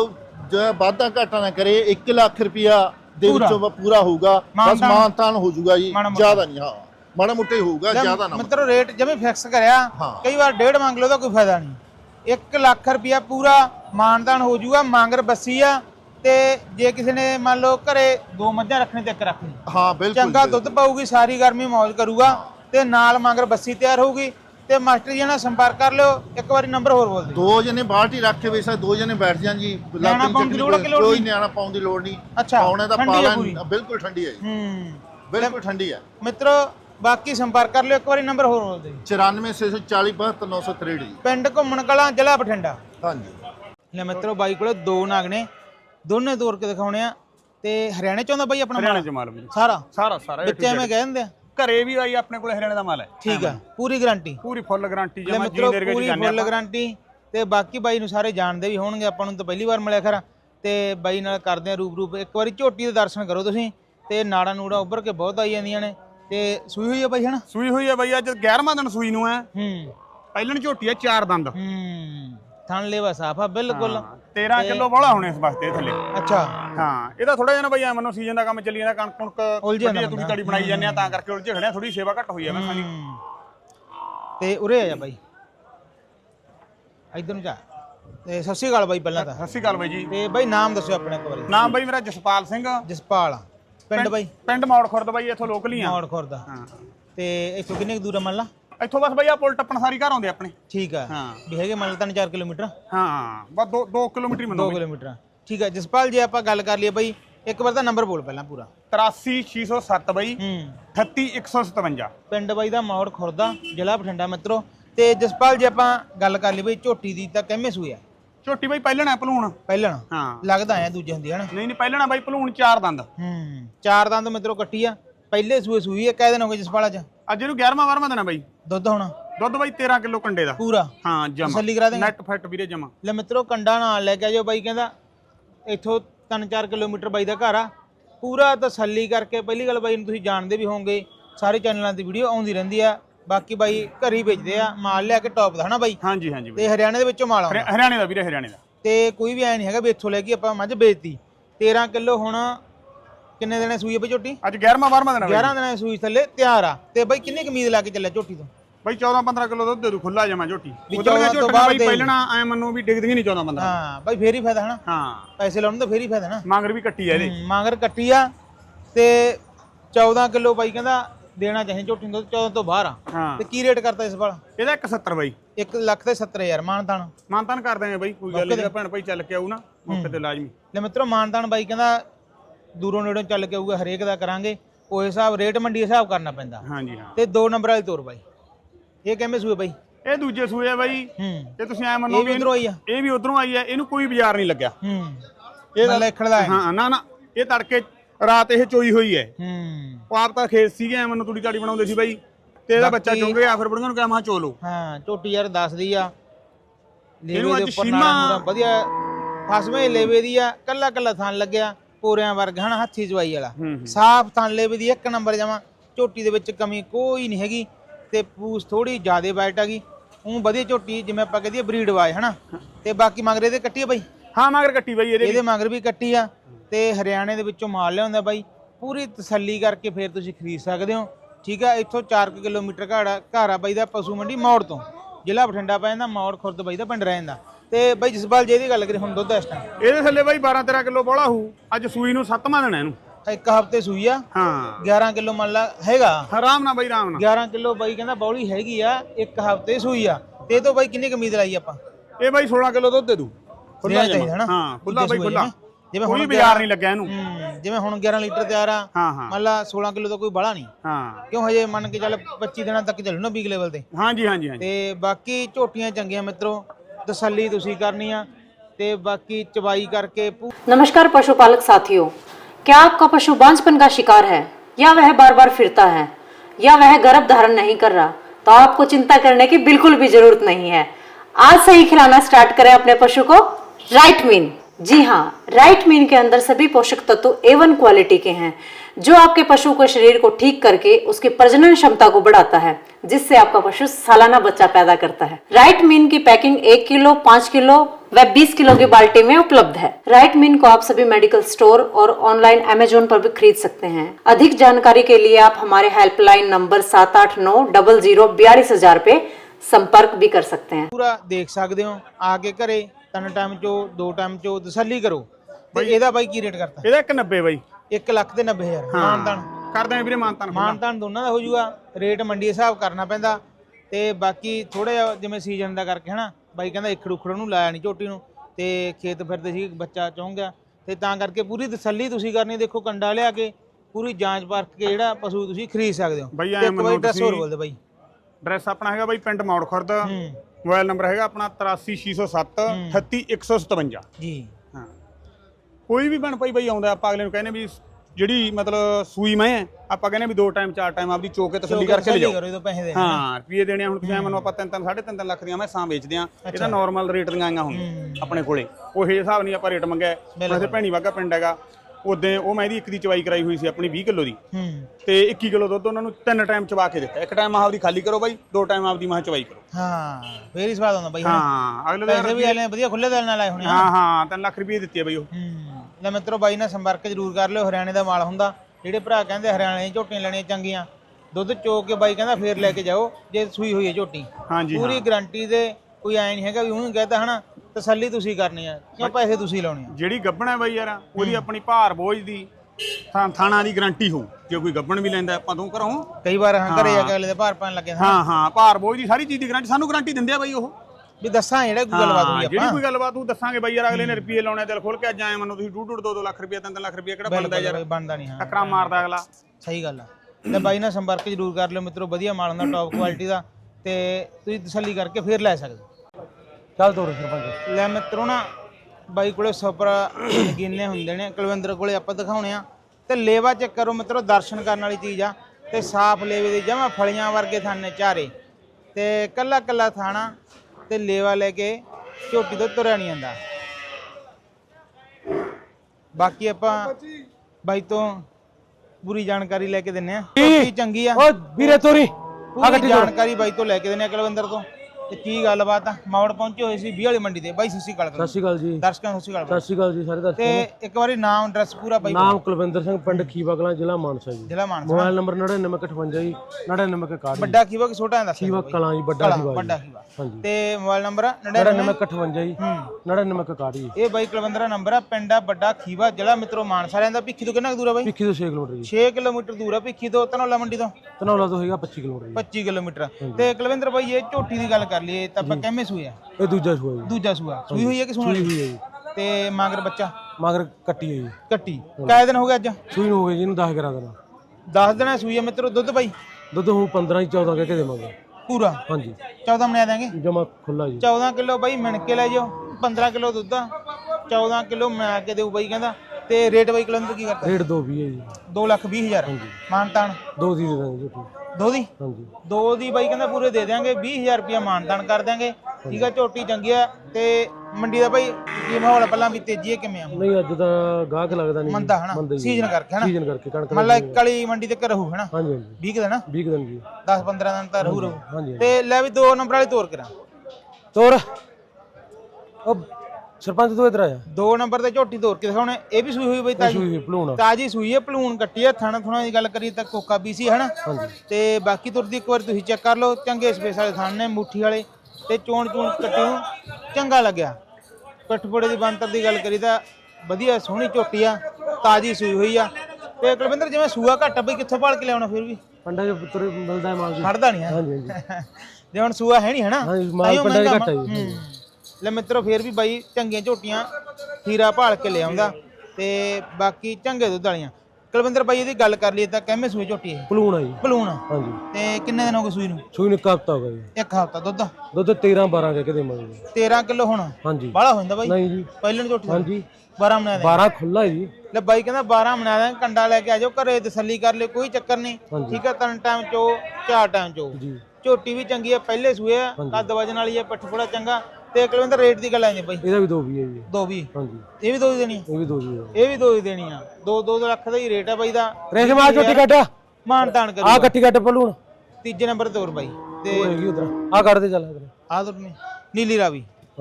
S3: ਜੋ ਵਾਧਾ ਘਾਟਾ ਨਾ ਕਰੇ 1 ਲੱਖ ਰੁਪਇਆ ਦੇ ਵਿੱਚੋਂ ਪੂਰਾ ਹੋਊਗਾ, ਬਸ ਮਾਨਤਾਨ ਹੋ ਜਾਊਗਾ ਜੀ, ਜ਼ਿਆਦਾ ਨਹੀਂ। ਹਾਂ ਮਾੜਾ ਮੋਟਾ ਹੀ ਹੋਊਗਾ, ਜ਼ਿਆਦਾ ਨਾ।
S2: ਮਿੱਤਰੋ ਰੇਟ ਜਿਵੇਂ ਫਿਕਸ ਕਰਿਆ, ਕਈ ਵਾਰ 1.5 ਮੰਗ ਲਓ ਤਾਂ ਕੋਈ ਫਾਇਦਾ ਨਹੀਂ। 1 ਲੱਖ ਰੁਪਇਆ ਪੂਰਾ ਮਾਨਤਾਨ ਹੋ ਜਾਊਗਾ। ਮਾਂਗਰ ਬੱਸੀ ਆ, ਤੇ ਜੇ ਕਿਸੇ ਨੇ ਮੰਨ ਲਓ ਘਰੇ 2 ਮੱਝਾਂ ਰੱਖਣੀ ਤੇ 1 ਰੱਖਣੀ,
S3: ਹਾਂ ਬਿਲਕੁਲ
S2: ਚੰਗਾ ਦੁੱਧ ਪਾਊਗੀ, ਸਾਰੀ ਗਰਮੀ ਮੌਜ ਕਰੂਗਾ, ਤੇ ਨਾਲ ਮਾਂਗਰ ਬੱਸੀ ਤਿਆਰ ਹੋਊਗੀ। ਤੇ ਮਾਸਟਰ ਜੀ ਨਾਲ ਸੰਪਰਕ ਕਰ ਲਿਓ। ਇੱਕ ਵਾਰੀ ਨੰਬਰ ਹੋਰ ਬੋਲ ਦਿਓ।
S3: 2 ਜਣੇ ਬਾਲਟੀ ਰੱਖ ਕੇ ਵੈਸੇ 2 ਜਣੇ ਬੈਠ ਜਾਣ ਜੀ, ਕੋਈ ਨਿਆਣਾ ਪਾਉਣ ਦੀ ਲੋੜ ਨਹੀਂ।
S2: ਅੱਛਾ,
S3: ਪਾਉਣੇ ਦਾ ਪਾਲਾ ਬਿਲਕੁਲ ਠੰਡੀ ਹੈ ਜੀ, ਬਿਲਕੁਲ ਠੰਡੀ ਹੈ
S2: ਮਿੱਤਰੋ। ਬਾਕੀ ਸੰਪਰਕ ਕਰ ਲਿਓ। ਇੱਕ ਵਾਰੀ ਨੰਬਰ ਹੋਰ ਬੋਲ ਦਿਓ।
S3: 94 640 72963 ਜੀ।
S2: ਪਿੰਡ ਘੁੰਮਣ ਕਲਾਂ, ਜ਼ਿਲ੍ਹਾ ਬਠਿੰਡਾ।
S3: ਹਾਂਜੀ
S2: ਲੈ ਮਿੱਤਰੋ, ਬਾਈ ਕੋਲੇ 2 ਨਾਗ ਨੇ, ਦੋਨੇ ਤੋਰ ਕੇ ਦਿਖਾਉਣੇ ਆ। ਤੇ ਹਰਿਆਣੇ ਚ ਆਉਂਦਾ ਬਾਈ ਆਪਣਾ
S6: ਹਰਿਆਣੇ ਚ ਮਾਲ
S2: ਸਾਰਾ
S6: ਸਾਰਾ
S2: ਵਿੱਚ ਐਵੇਂ ਕਹਿ ਦਿੰਦੇ ਆ।
S6: ਘਰੇ ਵੀ ਆਈ ਆਪਣੇ ਕੋਲ ਹਰਿਆਣੇ ਦਾ ਮਾਲ ਹੈ।
S2: ਠੀਕ ਆ, ਪੂਰੀ ਗਾਰੰਟੀ,
S6: ਪੂਰੀ ਫੁੱਲ ਗਾਰੰਟੀ
S2: ਲੈ ਮਿੱਤਰੋ, ਪੂਰੀ ਫੁੱਲ ਗਾਰੰਟੀ। ਤੇ ਬਾਕੀ ਬਾਈ ਨੂੰ ਸਾਰੇ ਜਾਣਦੇ ਵੀ ਹੋਣਗੇ, ਆਪਾਂ ਨੂੰ ਤਾਂ ਪਹਿਲੀ ਵਾਰ ਮਿਲਿਆ ਖਰਾ। ਤੇ ਬਾਈ ਨਾਲ ਕਰਦੇ ਆ ਰੂਪ। ਇੱਕ ਵਾਰੀ ਝੋਟੀ ਦੇ ਦਰਸ਼ਨ ਕਰੋ ਤੁਸੀਂ। ਤੇ ਨਾੜਾ ਨੂੜਾ ਉੱਭਰ ਕੇ ਬਹੁਤ ਆਈ ਜਾਂਦੀਆਂ ਨੇ। ਤੇ ਸੂਈ ਹੋਈ ਆ ਬਾਈ, ਹਨਾ?
S6: ਸੂਈ ਹੋਈ ਆ ਬਾਈ, ਅੱਜ 11ਵਾਂ ਦਿਨ ਸੂਈ ਨੂੰ ਹੈ। ਪਹਿਲਣ ਝੋਟੀ ਆ 4 ਦੰਦ।
S2: ਥਣ ਲੇਵਾ ਸਾਫਾ ਬਿਲਕੁਲ।
S6: 13 ਕਿਲੋ ਬੋਲਾ ਹੋਣੇ ਇਸ ਵਾਸਤੇ ਥੱਲੇ।
S2: ਅੱਛਾ,
S6: ਹਾਂ ਇਹਦਾ ਥੋੜਾ ਜਿਹਾ ਨਾ ਬਾਈ ਮੈਨੂੰ ਸੀਜ਼ਨ ਦਾ ਕੰਮ ਚੱਲੀ ਜਾਂਦਾ, ਕਣਕ ਕੁਣਕ ਤੂੜੀ ਤਾੜੀ ਬਣਾਈ ਜਾਂਦੇ ਆ, ਤਾਂ ਕਰਕੇ ਉਲਝੇ ਖੜਿਆ, ਥੋੜੀ ਸੇਵਾ ਘੱਟ ਹੋਈ ਆ ਮੈਂ।
S2: ਤੇ ਉਰੇ ਆ ਜਾ ਬਾਈ, ਇਧਰ ਨੂੰ ਜਾ। ਤੇ ਸਤਿ ਸ਼੍ਰੀ ਅਕਾਲ ਬਾਈ ਪਹਿਲਾਂ ਤਾਂ।
S6: ਸਤਿ ਸ਼੍ਰੀ ਅਕਾਲ ਬਾਈ ਜੀ।
S2: ਤੇ ਬਾਈ ਨਾਮ ਦੱਸਿਓ ਆਪਣੇ ਇੱਕ ਵਾਰੀ।
S6: ਨਾਮ ਬਾਈ ਮੇਰਾ ਜਸਪਾਲ ਸਿੰਘ।
S2: ਜਸਪਾਲ ਪਿੰਡ ਬਾਈ?
S6: ਪਿੰਡ ਮੌੜ ਖੁਰਦ ਬਾਈ, ਇੱਥੋਂ ਲੋਕਲ ਹੀ ਆ।
S2: ਮੌੜ ਖੁਰਦ। ਹਾਂ। ਤੇ ਇੱਥੋਂ ਕਿੰਨੇ ਕੁ ਦੂਰ ਆ ਮੰਨ ਲਾ?
S6: ਇੱਥੋਂ ਬਸ ਬਾਈ ਆ ਪੁਲ ਟੱਪਣ ਸਾਰੀ ਘਰ ਆਉਂਦੇ ਆਪਣੇ।
S2: ਠੀਕ ਆ, ਵੀ ਹੈਗੇ ਮੰਨ ਲਾ 3-4 ਕਿਲੋਮੀਟਰ।
S6: ਹਾਂ ਬਸ 2 ਕਿਲੋਮੀਟਰ ਹੀ ਮੰਨੋ।
S2: 2 ਕਿਲੋਮੀਟਰ। ਠੀਕ ਆ ਜਸਪਾਲ, ਜੇ ਆਪਾਂ ਗੱਲ ਕਰ ਲਈਏ ਬਾਈ, ਇੱਕ ਵਾਰ ਤਾਂ ਨੰਬਰ ਬੋਲ ਪਹਿਲਾਂ ਪੂਰਾ।
S6: 83607 ਬਾਈ 38157।
S2: ਪਿੰਡ ਬਾਈ ਦਾ ਮੌੜ ਖੁਰਦਾ, ਜ਼ਿਲ੍ਹਾ ਬਠਿੰਡਾ ਮਿੱਤਰੋ। ਤੇ ਜਸਪਾਲ ਜੇ ਆਪਾਂ ਗੱਲ ਕਰ ਲਈ ਬਾਈ ਝੋਟੀ ਦੀ, ਤਾਂ ਕਿੰਨੇ ਸੂਏ ਆ?
S6: ਝੋਟੀ ਬਾਈ ਪਹਿਲਣਾ ਭਲੂਣ।
S2: ਪਹਿਲਣਾ?
S6: ਹਾਂ
S2: ਲੱਗਦਾ ਐ ਦੂਜੇ ਹੁੰਦੀ ਹਨਾ?
S6: ਨਹੀਂ ਪਹਿਲਣਾ ਬਾਈ ਭਲੂਣ 4 ਦੰਦ।
S2: 4 ਦੰਦ ਮਿੱਤਰੋ ਕੱਟੀ ਆ, ਪਹਿਲੇ ਸੂਏ ਸੂਈ ਆ। ਕਿੰਨੇ ਦਿਨ ਹੋ ਗਏ ਜਸਪਾਲ ਅੱਜ?
S6: ਅੱਜ ਇਹਨੂੰ 11ਵਾਂ ਦਿਨ ਆ ਬਾਈ।
S2: ਦੁੱਧ ਹੋਣਾ?
S6: ਦੁੱਧ ਬਾਈ 13 ਕਿਲੋ ਕੰਡੇ ਦਾ
S2: ਪੂਰਾ।
S6: ਹਾਂ ਜਮਾ
S2: ਤਸੱਲੀ ਕਰਾ ਦੇਂਗੇ?
S6: ਨੈਟ ਫੈਟ ਵੀਰੇ ਜਮਾ।
S2: ਲੈ ਮਿੱਤਰੋ, ਕੰਡਾ ਨਾਲ ਲੈ ਕੇ ਆਜੋ। ਬਾਈ ਕਹਿੰਦਾ ਇੱਥੋਂ 3-4 ਕਿਲੋਮੀਟਰ ਬਾਈ ਦਾ ਘਰ ਆ। ਪੂਰਾ ਤਸੱਲੀ ਕਰਕੇ, ਪਹਿਲੀ ਗੱਲ ਬਾਈ ਨੂੰ ਤੁਸੀਂ ਜਾਣਦੇ ਵੀ ਹੋਵੋਗੇ, ਸਾਰੇ ਚੈਨਲਾਂ ਦੀ ਵੀਡੀਓ ਆਉਂਦੀ ਰਹਿੰਦੀ ਆ। ਬਾਕੀ ਬਾਈ ਘਰ ਹੀ ਵੇਚਦੇ ਆ ਮਾਲ, ਲਿਆ ਕੇ ਟੌਪ ਦਾ, ਹਨਾ ਬਾਈ?
S6: ਹਾਂਜੀ ਹਾਂਜੀ।
S2: ਤੇ ਹਰਿਆਣੇ ਦੇ ਵਿੱਚੋਂ ਮਾਲ ਆਉਂਦਾ?
S6: ਹਰਿਆਣੇ ਦਾ ਵੀਰੇ, ਹਰਿਆਣੇ ਦਾ।
S2: ਤੇ ਕੋਈ ਵੀ ਐ ਨਹੀਂ ਹੈਗਾ ਵੀ ਇੱਥੋਂ ਲੈ ਕੇ ਆਪਾਂ ਮੱਝ ਵੇਚਤੀ। 13 ਕਿਲੋ ਹੁਣ ਕਿੰਨੇ ਦਿਨੇ ਸੂਈ ਆ ਬਈ ਝੋਟੀ?
S6: ਅੱਜ 11ਵਾਂ ਦਿਨ ਆ।
S2: 11 ਦਿਨਾਂ ਦੀ ਸੂਈ ਥੱਲੇ ਤਿਆਰ ਆ। ਤੇ ਬਾਈ ਕਿੰਨੀ ਕੁ ਉਮੀਦ ਲਾ ਕੇ ਚੱਲਿਆ ਝੋਟੀ ਤੋਂ?
S6: ਬਾਈ 14-15 ਕਿਲੋ ਦੁੱਧ ਦੇ ਦੂ ਖੁੱਲਾ ਜਮਾ ਝੋਟੀ।
S2: ਉਧਰ ਤੋਂ ਬਾਅਦ
S6: ਪਹਿਲਣਾ ਐ ਮੰਨੂ ਵੀ ਡਿੱਗਦੀ ਨਹੀਂ 14-15।
S2: ਹਾਂ ਬਾਈ ਫੇਰ ਹੀ ਫਾਇਦਾ, ਹਨਾ?
S6: ਹਾਂ
S2: ਪੈਸੇ ਲਾਉਣ ਦਾ ਫੇਰ ਹੀ ਫਾਇਦਾ ਨਾ।
S6: ਮਾਂਗਰ ਵੀ ਕੱਟੀ ਆ ਇਹਦੇ।
S2: ਮਾਂਗਰ ਕੱਟੀ ਆ। ਤੇ 14 ਕਿਲੋ ਬਾਈ ਕਹਿੰਦਾ ਦੇਣਾ ਚਾਹੀਦਾ ਝੋਟੀ ਨੂੰ, 14 ਤੋਂ ਬਾਹਰ ਆ। ਤੇ ਕੀ ਰੇਟ ਕਰਤਾ ਇਸ ਵਾਲਾ?
S6: ਇਹਦਾ 170 ਬਾਈ।
S2: 1,70,000 ਮਾਨਤਾਨ?
S6: ਮਾਨਤਾਨ ਕਰ ਦਾਂਗੇ ਬਾਈ, ਕੋਈ ਗੱਲ ਨਹੀਂ। ਭੈਣ ਭਾਈ ਚੱਲ ਕੇ ਆਊ ਨਾ ਮੌਕੇ ਤੇ ਲਾਜ਼ਮੀ।
S2: ਲੈ ਮਿੱਤਰੋ, ਮਾਨਤਾਨ ਬਾਈ ਕਹਿੰਦਾ ਦੂਰੋਂ ਨੇੜੋਂ ਚੱਲ ਕੇ ਆਊਗਾ, ਹਰੇਕ ਦਾ ਕਰਾਂਗੇ। ਉਹ ਹਿਸਾਬ ਰੇਟ ਮੰਡੀ ਹਿਸਾਬ ਕਰਨਾ ਪੈਂਦਾ।
S6: ਹਾਂਜੀ ਹਾਂ।
S2: ਤੇ 2 ਨੰਬਰ ਵਾਲੀ ਤੋਰ ਬਾਈ, ਇਹ ਕਿਵੇਂ ਸੂਏ ਬਾਈ?
S6: ਇਹ ਦੂਜੇ ਸੂਏ ਆ ਬਾਈ। ਤੇ ਤੁਸੀਂ ਐ ਮੰਨੋ
S2: ਵੀ ਉਧਰੋਂ ਆਈ ਆ?
S6: ਇਹ ਵੀ ਉਧਰੋਂ ਆਈ ਆ। ਇਹਨੂੰ ਕੋਈ ਬਾਜ਼ਾਰ ਨਹੀਂ ਲੱਗਿਆ।
S2: ਇਹ ਲੇਖੜਦਾ ਹੈ?
S6: ਹਾਂ ਨਾ ਇਹ ਤੜਕੇ ਰਾਤ ਇਹ ਚੋਈ ਹੋਈ ਹੈ। ਉਹ ਆਪ ਤਾਂ ਖੇਤ ਸੀਗੇ, ਐ ਮੈਨੂੰ ਤੂੜੀ ਤਾੜੀ ਬਣਾਉਂਦੇ ਸੀ ਬਾਈ। ਤੇ ਇਹਦਾ ਬੱਚਾ ਚੁੰਗ ਗਿਆ, ਫਿਰ ਬੁੜੀਆਂ ਨੂੰ ਕਿਹਾ ਮੈਂ ਚੋ ਲੋ।
S2: ਹਾਂ ਝੋਟੀ ਯਾਰ ਦੱਸਦੀ ਆ,
S6: ਇਹਨੂੰ
S2: ਲੇਵੇ
S6: ਅੱਜ
S2: ਦੇ ਉੱਪਰ ਨਾੜਾ ਵਧੀਆ ਫਸਵੇਂ ਲੇਵੇ ਦੀ ਆ। ਕੱਲਾ ਕੱਲਾ ਥਣ ਲੱਗਿਆ, ਪੂਰਿਆਂ ਵਰਗ, ਹਨਾ? ਹੱਥੀ ਜਵਾਈ ਵਾਲਾ ਸਾਫ ਥਣ ਲੇਵੇ ਦੀ, 1 ਨੰਬਰ ਜਮਾ। ਝੋਟੀ ਦੇ ਵਿੱਚ ਕਮੀ ਕੋਈ ਨਹੀਂ ਹੈਗੀ। ਤੇ ਪੂਛ ਥੋੜੀ ਜ਼ਿਆਦੇ ਵਾਈਟ ਆ ਗਈ। ਉਹ ਵਧੀਆ ਝੋਟੀ, ਜਿਵੇਂ ਆਪਾਂ ਕਹਦੇ ਬਰੀਡ ਵਾਜ, ਹਨਾ? ਤੇ ਬਾਕੀ ਮਗਰੇ ਦੇ ਕੱਟੀ ਆ ਬਾਈ?
S6: ਹਾਂ ਮਗਰ ਕੱਟੀ ਬਾਈ
S2: ਇਹਦੇ ਮਗਰ ਵੀ ਕੱਟੀ ਆ। ਤੇ ਹਰਿਆਣੇ ਦੇ ਵਿੱਚੋਂ ਮਾਲ ਲਿਆਉਂਦਾ ਬਾਈ। ਪੂਰੀ ਤਸੱਲੀ ਕਰਕੇ ਫਿਰ ਤੁਸੀਂ ਖਰੀਦ ਸਕਦੇ ਹੋ। ਠੀਕ ਆ, ਇੱਥੋਂ 4 ਕਿਲੋਮੀਟਰ ਘਰ ਆ ਬਾਈ ਦਾ, ਪਸ਼ੂ ਮੰਡੀ ਮੌੜ ਤੋਂ, ਜ਼ਿਲ੍ਹਾ ਬਠਿੰਡਾ ਪੈ ਜਾਂਦਾ। ਮੌੜ ਖੁਰਦ ਬਾਈ ਦਾ ਪਿੰਡ ਰਹਿ ਜਾਂਦਾ। ਤੇ ਬਾਈ ਜਸਪਾਲ ਜੇ ਇਹਦੀ ਗੱਲ ਕਰੀ, ਹੁਣ ਦੁੱਧ ਇਸ ਟਾਈਮ
S6: ਇਹਦੇ ਥੱਲੇ ਬਾਈ 12-13 ਕਿਲੋ ਬੋਲਾ ਹੋਊ। ਅੱਜ ਸੂਈ ਨੂੰ 7ਵਾਂ ਦਿਨ ਹੈ ਇਹਨੂੰ।
S2: 1 ਹਫ਼ਤੇ ਸੂਈ ਆ।
S6: ਹਾਂ
S2: 11 ਕਿਲੋ ਮੰਨ ਲਾ ਹੈਗਾ।
S6: ਆਰਾਮ ਨਾਲ ਬਾਈ, ਆਰਾਮ ਨਾਲ।
S2: 11 ਕਿਲੋ ਬਾਈ ਕਹਿੰਦਾ ਬੌਲੀ ਹੈਗੀ ਆ, 1 ਹਫ਼ਤੇ ਸੂਈ ਆ। ਤੇ ਇਹ ਤੋਂ ਬਾਈ ਕਿੰਨੀ ਕੁ ਉਮੀਦ ਲਾਈ ਆਪਾਂ?
S6: ਇਹ ਬਾਈ 16 ਕਿਲੋ ਦੁੱਧ ਦੇ ਦੂ ਖੁੱਲਾ
S2: ਚਾਹੀਦਾ, ਹਨਾ?
S6: ਹਾਂ ਖੁੱਲਾ ਬਾਈ, ਖੁੱਲਾ।
S2: ਜਿਵੇਂ
S6: ਕੋਈ ਬਾਜ਼ਾਰ ਨਹੀਂ ਲੱਗਿਆ ਇਹਨੂੰ।
S2: ਜਿਵੇਂ ਹੁਣ 11 ਲੀਟਰ ਤਿਆਰ ਆ,
S6: ਹਾਂ
S2: ਮੰਨ ਲਾ 16 ਕਿਲੋ ਤਾਂ ਕੋਈ ਬਾਲਾ ਨਹੀਂ।
S6: ਹਾਂ
S2: ਕਿਉਂ ਹਜੇ ਮੰਨ ਕੇ ਚੱਲ 25 ਦਿਨਾਂ ਤੱਕ ਚੱਲੂ ਨਾ ਬੀਗ ਲੈਵਲ ਤੇ।
S6: ਹਾਂਜੀ ਹਾਂਜੀ।
S2: ਤੇ ਬਾਕੀ ਝੋਟੀਆਂ ਚੰਗੀਆਂ ਮਿੱਤਰੋ, तसल्ली तुसी करनी आ ते बाकी चबाई करके।
S4: नमस्कार पशुपालक साथियों, क्या आपका पशु बांझपन का शिकार है या वह बार बार फिरता है या वह गर्भ धारण नहीं कर रहा, तो आपको चिंता करने की बिल्कुल भी जरूरत नहीं है। आज से ही खिलाना स्टार्ट करें अपने पशु को राइट मीन। जी हाँ, राइट मीन के अंदर सभी पोषक तत्व A1 क्वालिटी के हैं, जो आपके पशु के शरीर को ठीक करके उसकी प्रजनन क्षमता को बढ़ाता है, जिससे आपका पशु सालाना बच्चा पैदा करता है। राइट मीन की पैकिंग 1 किलो, 5 किलो, वह 20 किलो की बाल्टी में उपलब्ध है। राइट मीन को आप सभी मेडिकल स्टोर और ऑनलाइन अमेजोन पर भी खरीद सकते हैं। अधिक जानकारी के लिए आप हमारे हेल्पलाइन नंबर 78900042000 पे संपर्क भी कर सकते हैं।
S2: ਪੂਰਾ ਦੇਖ ਸਕਦੇ ਹੋ ਆ ਕੇ ਘਰੇ 3 ਟਾਈਮ ਚੋ 2 ਟਾਈਮ ਚੋ ਤਸੱਲੀ ਕਰੋ। ਤੇ ਇਹਦਾ ਬਾਈ ਕੀ ਰੇਟ ਕਰਤਾ?
S6: ਇਹਦਾ 190 ਬਾਈ।
S2: 1,90,000 ਮਾਨਤਾਨ
S6: ਕਰਦੇ ਆ ਵੀਰੇ ਮਾਨਤਾਨ।
S2: ਮਾਨਤਾਨ ਦੋਨਾਂ ਦਾ ਹੋ ਜਾਊਗਾ। ਰੇਟ ਮੰਡੀ ਦੇ ਹਿਸਾਬ ਕਰਨਾ ਪੈਂਦਾ ਤੇ ਬਾਕੀ ਥੋੜਾ ਜਿਹਾ ਜਿਵੇਂ ਸੀਜ਼ਨ ਦਾ ਕਰਕੇ ਹਨਾ ਬਾਈ ਕਹਿੰਦਾ ਇਖੜ ਉਖੜ ਨੂੰ ਲਾਇਆ ਨਹੀਂ ਝੋਟੀ ਨੂੰ ਤੇ ਖੇਤ ਫਿਰਦੇ ਸੀ ਬੱਚਾ ਚੌਂ ਗਿਆ ਤੇ ਤਾਂ ਕਰਕੇ ਪੂਰੀ ਤਸੱਲੀ ਤੁਸੀਂ ਕਰਨੀ। ਦੇਖੋ ਕੰਡਾ ਲਿਆ ਕੇ ਪੂਰੀ ਜਾਂਚ ਪਰਖ ਕੇ ਜਿਹੜਾ ਪਸ਼ੂ ਤੁਸੀਂ ਖਰੀਦ ਸਕਦੇ ਹੋ।
S6: ਬਾਈ
S2: ਤੇ ਇੱਕ ਵਾਰੀ ਡਰੈਸ ਹੋਰ ਬੋਲਦੇ ਬਾਈ।
S6: ਐਡਰੈਸ ਆਪਣਾ ਹੈਗਾ ਬਾਈ ਪਿੰਡ ਮੌੜ ਖੁਰਦ। ਮੋਬਾਈਲ ਨੰਬਰ ਹੈਗਾ ਆਪਣਾ 83607 38157
S2: ਜੀ।
S6: ਹਾਂ ਕੋਈ ਵੀ ਬਣ ਭਾਈ ਬਾਈ ਆਉਂਦਾ ਆਪਾਂ ਅਗਲੇ ਨੂੰ ਕਹਿੰਦੇ ਵੀ ਜਿਹੜੀ ਮਤਲਬ ਸੂਈ ਮੈਂ ਆਪਾਂ ਕਹਿੰਦੇ ਵੀ 2 ਟਾਈਮ 4 ਟਾਈਮ ਆਪਦੀ ਚੋ ਕੇ ਤਸੱਲੀ ਕਰਕੇ ਲੈ ਜਾਓ। ਹਾਂ ਰੁਪਏ ਦੇਣੇ ਹੁਣ ਤੁਸੀਂ ਮੈਨੂੰ ਆਪਾਂ 3-3 3.5 ਲੱਖ ਦੀਆਂ ਮੈਸਾਂ ਵੇਚਦੇ ਆ। ਇਹਦਾ ਨਾਰਮਲ ਰੇਟ ਦੀਆਂ ਆਈਆਂ ਹੁਣ ਆਪਣੇ ਕੋਲੇ ਉਹ ਹਿਸਾਬ ਨਹੀਂ ਆਪਾਂ ਰੇਟ ਮੰਗਿਆ। ਵੈਸੇ ਭੈਣੀ ਵਾਗਾ ਪਿੰਡ ਹੈਗਾ ਉਦੋਂ ਉਹ ਮੈਂ ਇਹਦੀ ਇੱਕ ਦੀ ਚਵਾਈ ਕਰਾਈ ਹੋਈ ਸੀ ਆਪਣੀ 20 ਕਿਲੋ ਦੀ ਤੇ 21 ਕਿਲੋ ਦੁੱਧ ਉਹਨਾਂ ਨੂੰ 3 ਟਾਈਮ ਚਵਾ ਕੇ ਦਿੱਤਾ। ਇੱਕ ਟਾਈਮ ਆਪਦੀ ਖਾਲੀ ਕਰੋ ਬਾਈ 2 ਟਾਈਮ ਆਪਦੀ ਮਾਂ ਚਵਾਈ ਕਰੋ।
S2: ਹਾਂ ਫੇਰ ਹੀ ਸਵਾਦ ਆਉਂਦਾ ਬਾਈ।
S6: ਹਾਂ ਅਗਲੇ
S2: ਪੈਸੇ ਵੀ ਆਲੇ ਵਧੀਆ ਖੁੱਲੇ ਦਿਲ ਨਾਲ ਆਏ ਹੋਣੇ।
S6: ਹਾਂ 3 ਲੱਖ ਰੁਪਏ ਦਿੱਤੇ ਬਾਈ ਉਹ।
S2: ਲੈ ਮਿੱਤਰੋ ਬਾਈ ਨਾਲ ਸੰਪਰਕ ਜ਼ਰੂਰ ਕਰ ਲਿਓ। ਹਰਿਆਣੇ ਦਾ ਮਾਲ ਹੁੰਦਾ। ਜਿਹੜੇ ਭਰਾ ਕਹਿੰਦੇ ਹਰਿਆਣੇ ਦੀਆਂ ਝੋਟੀਆਂ ਲੈਣੀਆਂ ਚੰਗੀਆਂ ਦੁੱਧ ਚੋ ਕੇ ਬਾਈ ਕਹਿੰਦਾ ਫੇਰ ਲੈ ਕੇ ਜਾਓ ਜੇ ਸੂਈ ਹੋਈ ਹੈ ਝੋਟੀ।
S6: ਹਾਂਜੀ
S2: ਪੂਰੀ ਗਾਰੰਟੀ ਦੇ ਕੋਈ ਐ ਨਹੀਂ ਹੈਗਾ ਵੀ ਉਹਨੂੰ ਕਹਤਾ ਹਨਾ ਤਸੱਲੀ ਤੁਸੀਂ ਕਰਨੀ ਆ ਕਿਉਂ ਪੈਸੇ ਤੁਸੀਂ ਲਾਉਣੇ ਆ।
S6: ਜਿਹੜੀ ਗੱਭਣ ਹੈ ਬਾਈ ਯਾਰ ਉਹਦੀ ਆਪਣੀ ਭਾਰ ਬੋਝ ਦੀ ਥਾਣਾ ਦੀ ਗਾਰੰਟੀ ਹੋਊ। ਜੇ ਕੋਈ ਗੱਭਣ ਵੀ ਲੈਂਦਾ ਆਪਾਂ ਤੋਂ ਘਰੋਂ
S2: ਕਈ ਵਾਰ ਘਰੇ ਜਾ ਕੇ ਅਗਲੇ ਦੇ ਭਾਰ ਪੈਣ ਲੱਗੇ
S6: ਹਾਂ ਭਾਰ ਬੋਝ ਦੀ ਸਾਰੀ ਚੀਜ਼ ਦੀ ਗਾਰੰਟੀ ਸਾਨੂੰ ਗਾਰੰਟੀ ਦਿੰਦੇ ਆ ਬਾਈ ਉਹ
S2: ਵੀ ਦੱਸਾਂ ਜਿਹੜਾ ਕੋਈ ਗੱਲਬਾਤ ਹੋਈ
S6: ਜਿਹੜੀ
S2: ਆਪਾਂ
S6: ਕੋਈ ਗੱਲਬਾਤ ਉਹ ਦੱਸਾਂਗੇ ਬਾਈ ਯਾਰ ਅਗਲੇ ਨੇ ਰੁਪਏ ਲਾਉਣੇ ਦਿਲ ਖੋਲ ਕੇ ਅੱਜ ਆਏ ਮੈਨੂੰ ਤੁਸੀਂ 2-2 ਲੱਖ ਰੁਪਏ 3 ਲੱਖ ਰੁਪਏ ਕਿਹੜਾ ਬਣਦਾ ਯਾਰ
S2: ਬਣਦਾ ਨਹੀਂ। ਹਾਂ
S6: ਟੱਕਰਾਂ ਮਾਰਦਾ ਅਗਲਾ।
S2: ਸਹੀ ਗੱਲ ਆ। ਤੇ ਬਾਈ ਨਾਲ ਸੰਪਰਕ ਜ਼ਰੂਰ ਕਰ ਲਿਓ ਮਿੱਤਰੋ। ਵਧੀਆ ਮਾਲ ਹੁੰਦਾ ਟੌਪ ਕੁਆਲਿਟੀ ਦਾ ਤੇ ਤੁਸੀਂ ਤਸੱਲੀ ਕਰਕੇ ਫੇਰ ਲੈ ਸਕਦੇ।
S7: ਚੱਲ ਤੋਰ ਸਰਪੰਚ।
S2: ਲੈ ਮਿੱਤਰੋ ਨਾ ਬਾਈ ਕੋਲੇ ਸੁਪਰ ਨਗੀਨੇ ਹੁੰਦੇ ਨੇ। ਕੁਲਵਿੰਦਰ ਕੋਲੇ ਆਪਾਂ ਦਿਖਾਉਣੇ ਆ ਤੇ ਲੇਵਾ ਚੈੱਕ ਕਰੋ ਮਿੱਤਰੋ। ਦਰਸ਼ਨ ਕਰਨ ਵਾਲੀ ਚੀਜ਼ ਆ ਤੇ ਸਾਫ਼ ਲੇਵੇ ਦੇ ਜਮਾ ਫਲੀਆਂ ਵਰਗੇ ਥਾਨੇ ਚਾਰੇ ਤੇ ਕੱਲਾ ਕੱਲਾ ਥਾਣਾ ਤੇ ਲੇਵਾ ਲੈ ਕੇ ਝੋਟੀ ਤੋਂ ਤੁਰਿਆ ਨਹੀਂ ਜਾਂਦਾ। ਬਾਕੀ ਆਪਾਂ ਬਾਈ ਤੋਂ ਪੂਰੀ ਜਾਣਕਾਰੀ ਲੈ ਕੇ ਦਿੰਨੇ ਆ। ਝੋਟੀ ਚੰਗੀ ਆ
S7: ਓ ਵੀਰੇ ਤੋਰੀ
S2: ਪੂਰੀ ਜਾਣਕਾਰੀ ਬਾਈ ਤੋਂ ਲੈ ਕੇ ਦਿੰਨੇ ਆ ਕੁਲਵਿੰਦਰ ਤੋਂ। ਤੇ ਕੀ ਗੱਲਬਾਤ ਆ ਮੌੜ ਪਹੁੰਚੇ ਹੋਏ ਸੀ 20 ਵਾਲੀ ਮੰਡੀ ਤੇ ਬਾਈ। ਸਤਿ ਸ਼੍ਰੀ ਅਕਾਲ।
S7: ਸਤਿ ਸ਼੍ਰੀ ਅਕਾਲ ਜੀ।
S2: ਦਰਸ਼ਕਾਂ ਨੂੰ ਸਤਿ ਸ਼੍ਰੀ
S7: ਸਤਿ
S2: ਅਕਾਲ
S7: ਸ਼੍ਰੀ ਅਕਾਲ ਜੀ ਸਾਰੇ ਦਰਸ਼ਕਾਂ
S2: ਤੇ ਇੱਕ ਵਾਰੀ ਨਾਮ ਐਡਰੈਸ ਪੂਰਾ ਬਾਈ।
S7: ਨਾਮ ਕੁਲਵਿੰਦਰ ਸਿੰਘ ਪਿੰਡ ਖੀਵਾ ਕਲਾਂ ਜ਼ਿਲ੍ਹਾ ਮਾਨਸਾ ਜੀ।
S2: ਜ਼ਿਲ੍ਹਾ ਮਾਨਸਾ।
S7: ਮੋਬਾਈਲ ਨੰਬਰ 9958 ਜੀ 9961।
S2: ਵੱਡਾ ਖੀਵਾ ਕਿ ਛੋਟਾ ਦੱਸ?
S7: ਖੀਵਾ ਕਲਾਂ ਜੀ ਵੱਡਾ ਖੀਵਾ।
S2: ਵੱਡਾ ਖੀਵਾ।
S7: ਹਾਂਜੀ
S2: ਤੇ ਮੋਬਾਈਲ ਨੰਬਰ
S7: 9958 ਜੀ 9961 ਜੀ।
S2: ਇਹ ਬਾਈ ਕੁਲਵਿੰਦਰ ਦਾ ਨੰਬਰ ਆ। ਪਿੰਡ ਆ ਵੱਡਾ ਖੀਵਾ ਜ਼ਿਲ੍ਹਾ ਮਿੱਤਰੋ ਮਾਨਸਾ ਰਹਿੰਦਾ। ਭਿੱਖੀ ਤੋਂ ਕਿੰਨਾ ਕੁ ਦੂਰ ਆ ਬਾਈ?
S7: ਭਿੱਖੀ ਤੋਂ 6 ਕਿਲੋਮੀਟਰ ਜੀ।
S2: 6 ਕਿਲੋਮੀਟਰ ਦੂਰ ਆ ਭਿੱਖੀ ਤੋਂ। ਧਨੌਲਾ ਮੰਡੀ ਤੋਂ?
S7: ਧਨੌਲਾ ਤੋਂ ਹੈਗਾ 25 ਕਿਲੋਮੀਟਰ ਜੀ।
S2: 25 ਕਿਲੋਮੀਟਰ। ਤੇ ਕੁਲਵਿੰਦਰ ਬਾਈ ਇਹ ਝੋਟੀ ਦੀ ਗੱਲ ਕਰ ਲਈਏ ਤਾਂ ਆਪਾਂ ਕਿਵੇਂ ਸੂਇਆ?
S7: ਇਹ ਦੂਜਾ ਸੂਆ ਜੀ।
S2: ਦੂਜਾ ਸੂਆ। ਸੂਈ ਹੋਈ ਹੈ ਕਿ ਸੂਣ
S7: ਸੂਈ
S2: ਵਾਲੀ?
S7: ਹੋਈ ਹੈ ਜੀ।
S2: ਤੇ ਮਾਂਗਰ ਬੱਚਾ
S7: ਮਗਰ ਕੱਟੀ ਹੈ ਜੀ।
S2: ਕੱਟੀ ਕਾਇ ਦਿਨ ਹੋ ਗਏ ਅੱਜ?
S7: ਸੂਈ ਨੂੰ ਹੋ ਗਏ ਜੀ ਇਹਨੂੰ 10 11 ਦਿਨ।
S2: 10 ਦਿਨਾਂ ਸੂਈ ਹੈ ਮਿੱਤਰੋ। ਦੁੱਧ ਬਾਈ
S7: ਦੁੱਧ ਹੁਣ 15 14 ਕਹਿ ਕੇ ਦੇਵਾਂਗੇ
S2: ਪੂਰਾ।
S7: ਹਾਂਜੀ
S2: 14 ਬਣਾ ਦਾਂਗੇ।
S7: ਜਮਾ ਖੁੱਲਾ ਜੀ।
S2: 14 ਕਿਲੋ ਬਾਈ ਮਿਣ ਕੇ ਲੈ ਜਾਓ। 15 ਕਿਲੋ ਦੁੱਧ ਆ 14 ਕਿਲੋ ਬਣਾ ਕੇ ਦੇਊ ਬਾਈ ਕਹਿੰਦਾ। ਤੇ ਰੇਟ ਬਾਈ ਕੁਲਵਿੰਦਰ ਕੀ ਕਰਦਾ?
S7: ਰੇਟ 220 ਹੈ ਜੀ।
S2: 2,20,000 ਮਾਨਤਾਨ।
S7: 2 ਦੀ ਦੇ ਦਾਂਗੇ ਜੀ।
S2: ਦੋ ਦੀ?
S7: ਹਾਂਜੀ
S2: 2 ਦੀ ਬਾਈ ਕਹਿੰਦਾ ਪੂਰੇ ਦੇ ਦਿਆਂਗੇ। 20,000 ਰੁਪਇਆ ਮਾਨਤਾਨ ਕਰ ਦਿਆਂਗੇ। ਠੀਕ ਆ ਝੋਟੀ ਚੰਗੀ ਆ। ਤੇ ਮੰਡੀ ਦਾ ਬਾਈ ਕੀ ਮਾਹੌਲ ਪਹਿਲਾਂ ਵੀ ਤੇਜ਼ੀ ਹੈ ਕਿਵੇਂ ਆ?
S7: ਨਹੀਂ ਅੱਜ ਤਾਂ ਗਾਹਕ ਲੱਗਦਾ ਨਹੀਂ
S2: ਮੰਦਾ ਹਨਾ ਸੀਜ਼ਨ ਕਰਕੇ ਹਨਾ।
S7: ਸੀਜ਼ਨ ਕਰਕੇ ਕਣਕ
S2: ਮੰਨ ਲਾ ਇੱਕ ਵਾਲੀ ਮੰਡੀ ਤੇ ਰਹੂ ਹਨਾ।
S7: ਹਾਂਜੀ ਹਾਂਜੀ
S2: 20 ਦਿਨ
S7: 20 ਦਿਨ ਜੀ।
S2: 10-15 ਦਿਨ ਤਾਂ ਰਹੂ
S7: ਹਾਂਜੀ
S2: ਤੇ ਲੈ ਵੀ 2 ਨੰਬਰ ਵਾਲੀ ਤੋਰ ਕਰਾਂ।
S7: ਤੋਰ ਉਹ ਸਰਪੰਚ ਤੋਂ ਇਧਰ ਆਇਆ।
S2: 2 ਨੰਬਰ ਤੇ ਝੋਟੀ ਤੋਰ ਕੇ ਦਿਖਾਉਣੇ। ਇਹ ਵੀ ਸੂਈ ਹੋਈ ਬਈ ਤਾਜੀ?
S7: ਸੂਈ ਭਲੂਣ
S2: ਤਾਜੀ ਸੂਈ ਹੈ ਭਲੂਣ ਕੱਟੀ ਹੈ। ਥਾਣਾ ਥੁਣਾ ਦੀ ਗੱਲ ਕਰੀਏ ਤਾਂ ਕੋਕਾ ਵੀ ਸੀ ਹਨਾ। ਤੇ ਬਾਕੀ ਤੁਰਦੀ ਇੱਕ ਵਾਰ ਤੁਸੀਂ ਚੈੱਕ ਕਰ ਲਓ। ਚੰਗੇ ਸਪੇਸ ਵਾਲੇ ਥਾਣ ਨੇ ਮੁੱਠੀ ਵਾਲੇ ਤੇ ਚੋਣ ਕੱਟੀ ਨੂੰ ਚੰਗਾ ਲੱਗਿਆ। ਪਿੱਠਪੋੜੇ ਦੀ ਬੰਤਰ ਦੀ ਗੱਲ ਕਰੀ ਤਾਂ ਵਧੀਆ ਸੋਹਣੀ ਝੋਟੀ ਆ। ਤਾਜੀ ਸੂਈ ਹੋਈ ਆ। ਤੇ ਕੁਲਵਿੰਦਰ ਜਿਵੇਂ ਸੂਆ ਘੱਟ ਬਈ ਕਿੱਥੋਂ ਭਾਲ ਕੇ ਲਿਆਉਣਾ ਫਿਰ ਵੀ?
S7: ਪੰਡਾ ਜੋ ਪੁੱਤਰ ਮਿਲਦਾ ਹੈ ਮਾਲ ਜੀ।
S2: ਖੜਦਾ ਨਹੀਂ ਹੈ।
S7: ਹਾਂਜੀ ਹਾਂਜੀ
S2: ਜੇ ਹੁਣ ਸੂਆ ਹੈ ਨਹੀਂ ਹਨਾ।
S7: ਹਾਂਜੀ ਮਾਲ ਪੰਡਾ ਹੀ ਘੱਟ ਹੈ ਜੀ।
S2: ਲੈ ਮਿੱਤਰੋ ਫੇਰ ਵੀ ਬਾਈ ਚੰਗੀਆਂ ਝੋਟੀਆਂ ਖੀਰਾ ਭਾਲ ਕੇ ਲੈ ਆਉਂਦਾ ਤੇ ਬਾਕੀ ਚੰਗੇ ਦੁੱਧ ਵਾਲੀਆਂ। ਕੁਲਵਿੰਦਰ ਬਾਈ ਇਹਦੀ ਗੱਲ ਕਰ ਲਈਏ ਤਾਂ ਕਿਵੇਂ ਸੂਈ ਝੋਟੀ ਹੈ?
S7: ਭਲੂਣ ਆ ਜੀ।
S2: ਭਲੂਣ।
S7: ਹਾਂਜੀ
S2: ਤੇ ਕਿੰਨੇ ਦਿਨ ਹੋ ਗਏ ਸੂਈ ਨੂੰ?
S7: ਸੂਈ ਨੂੰ ਇੱਕ ਹਫ਼ਤਾ ਹੋ ਗਿਆ ਜੀ।
S2: ਇੱਕ ਹਫ਼ਤਾ। ਦੁੱਧ?
S7: ਦੁੱਧ 13 12 ਕਹਿ ਕੇ ਦੇਵਾਂਗੇ।
S2: 13 ਕਿਲੋ ਹੁਣ?
S7: ਹਾਂਜੀ
S2: ਬਾਹਲਾ ਹੋ ਜਾਂਦਾ ਬਾਈ?
S7: ਨਹੀਂ ਜੀ
S2: ਪਹਿਲਾਂ ਝੋਟੀ?
S7: ਹਾਂਜੀ
S2: 12 ਬਣਾ ਦੇ।
S7: 12 ਖੁੱਲਾ ਜੀ।
S2: ਲੈ ਬਾਈ ਕਹਿੰਦਾ 12 ਬਣਾ ਦਾਂ। ਕੰਡਾ ਲੈ ਕੇ ਆ ਜਾਓ ਘਰੇ ਤਸੱਲੀ ਕਰ ਲਿਓ ਕੋਈ ਚੱਕਰ ਨਹੀਂ। ਠੀਕ ਆ 3 ਟਾਈਮ ਚੋ 4 ਟਾਈਮ ਚੋ।
S7: ਜੀ
S2: ਝੋਟੀ ਵੀ ਚੰਗੀ ਆ ਪਹਿਲੇ ਸੂਏ ਆ। ਕੱਦ ਵਜਨ ਵਾਲੀ ਆ। ਪਿੱਠ ਥੋੜਾ ਚੰਗਾ। ਤੇ ਕੁਲਵਿੰਦਰ ਰੇਟ ਦੀ ਗੱਲ ਆਂਦੀ ਬਾਈ?
S7: ਇਹਦਾ ਵੀ 220 ਹੈ ਜੀ।
S2: 220?
S7: ਹਾਂਜੀ
S2: ਇਹ ਵੀ 2 ਦੀ ਦੇਣੀ ਆ?
S7: ਇਹ ਵੀ 220 ਹੈ।
S2: ਇਹ ਵੀ 2 ਦੀ ਦੇਣੀ ਆ। 2 ਲੱਖ ਦਾ ਹੀ ਰੇਟ ਆ ਬਾਈ ਦਾ।
S7: ਰੇਸ਼ਮ ਆ ਝੋਟੀ ਕੱਟ
S2: ਮਾਨ ਤਾਨ ਕਰੂ।
S7: ਆ ਕੱਟੀ ਕੱਟ ਭਲੂਣ।
S2: ਤੀਜੇ ਨੰਬਰ ਤੇ ਹੋਰ ਬਾਈ ਤੇ
S7: ਹੈਗੀ ਉਧਰ ਆ ਕੱਢ ਦੇ ਚੱਲ ਇਧਰ।
S2: ਆ ਤੁਰਨੀ ਨੀਲੀ ਰਾਵੀ।
S7: ਹਾਂਜੀ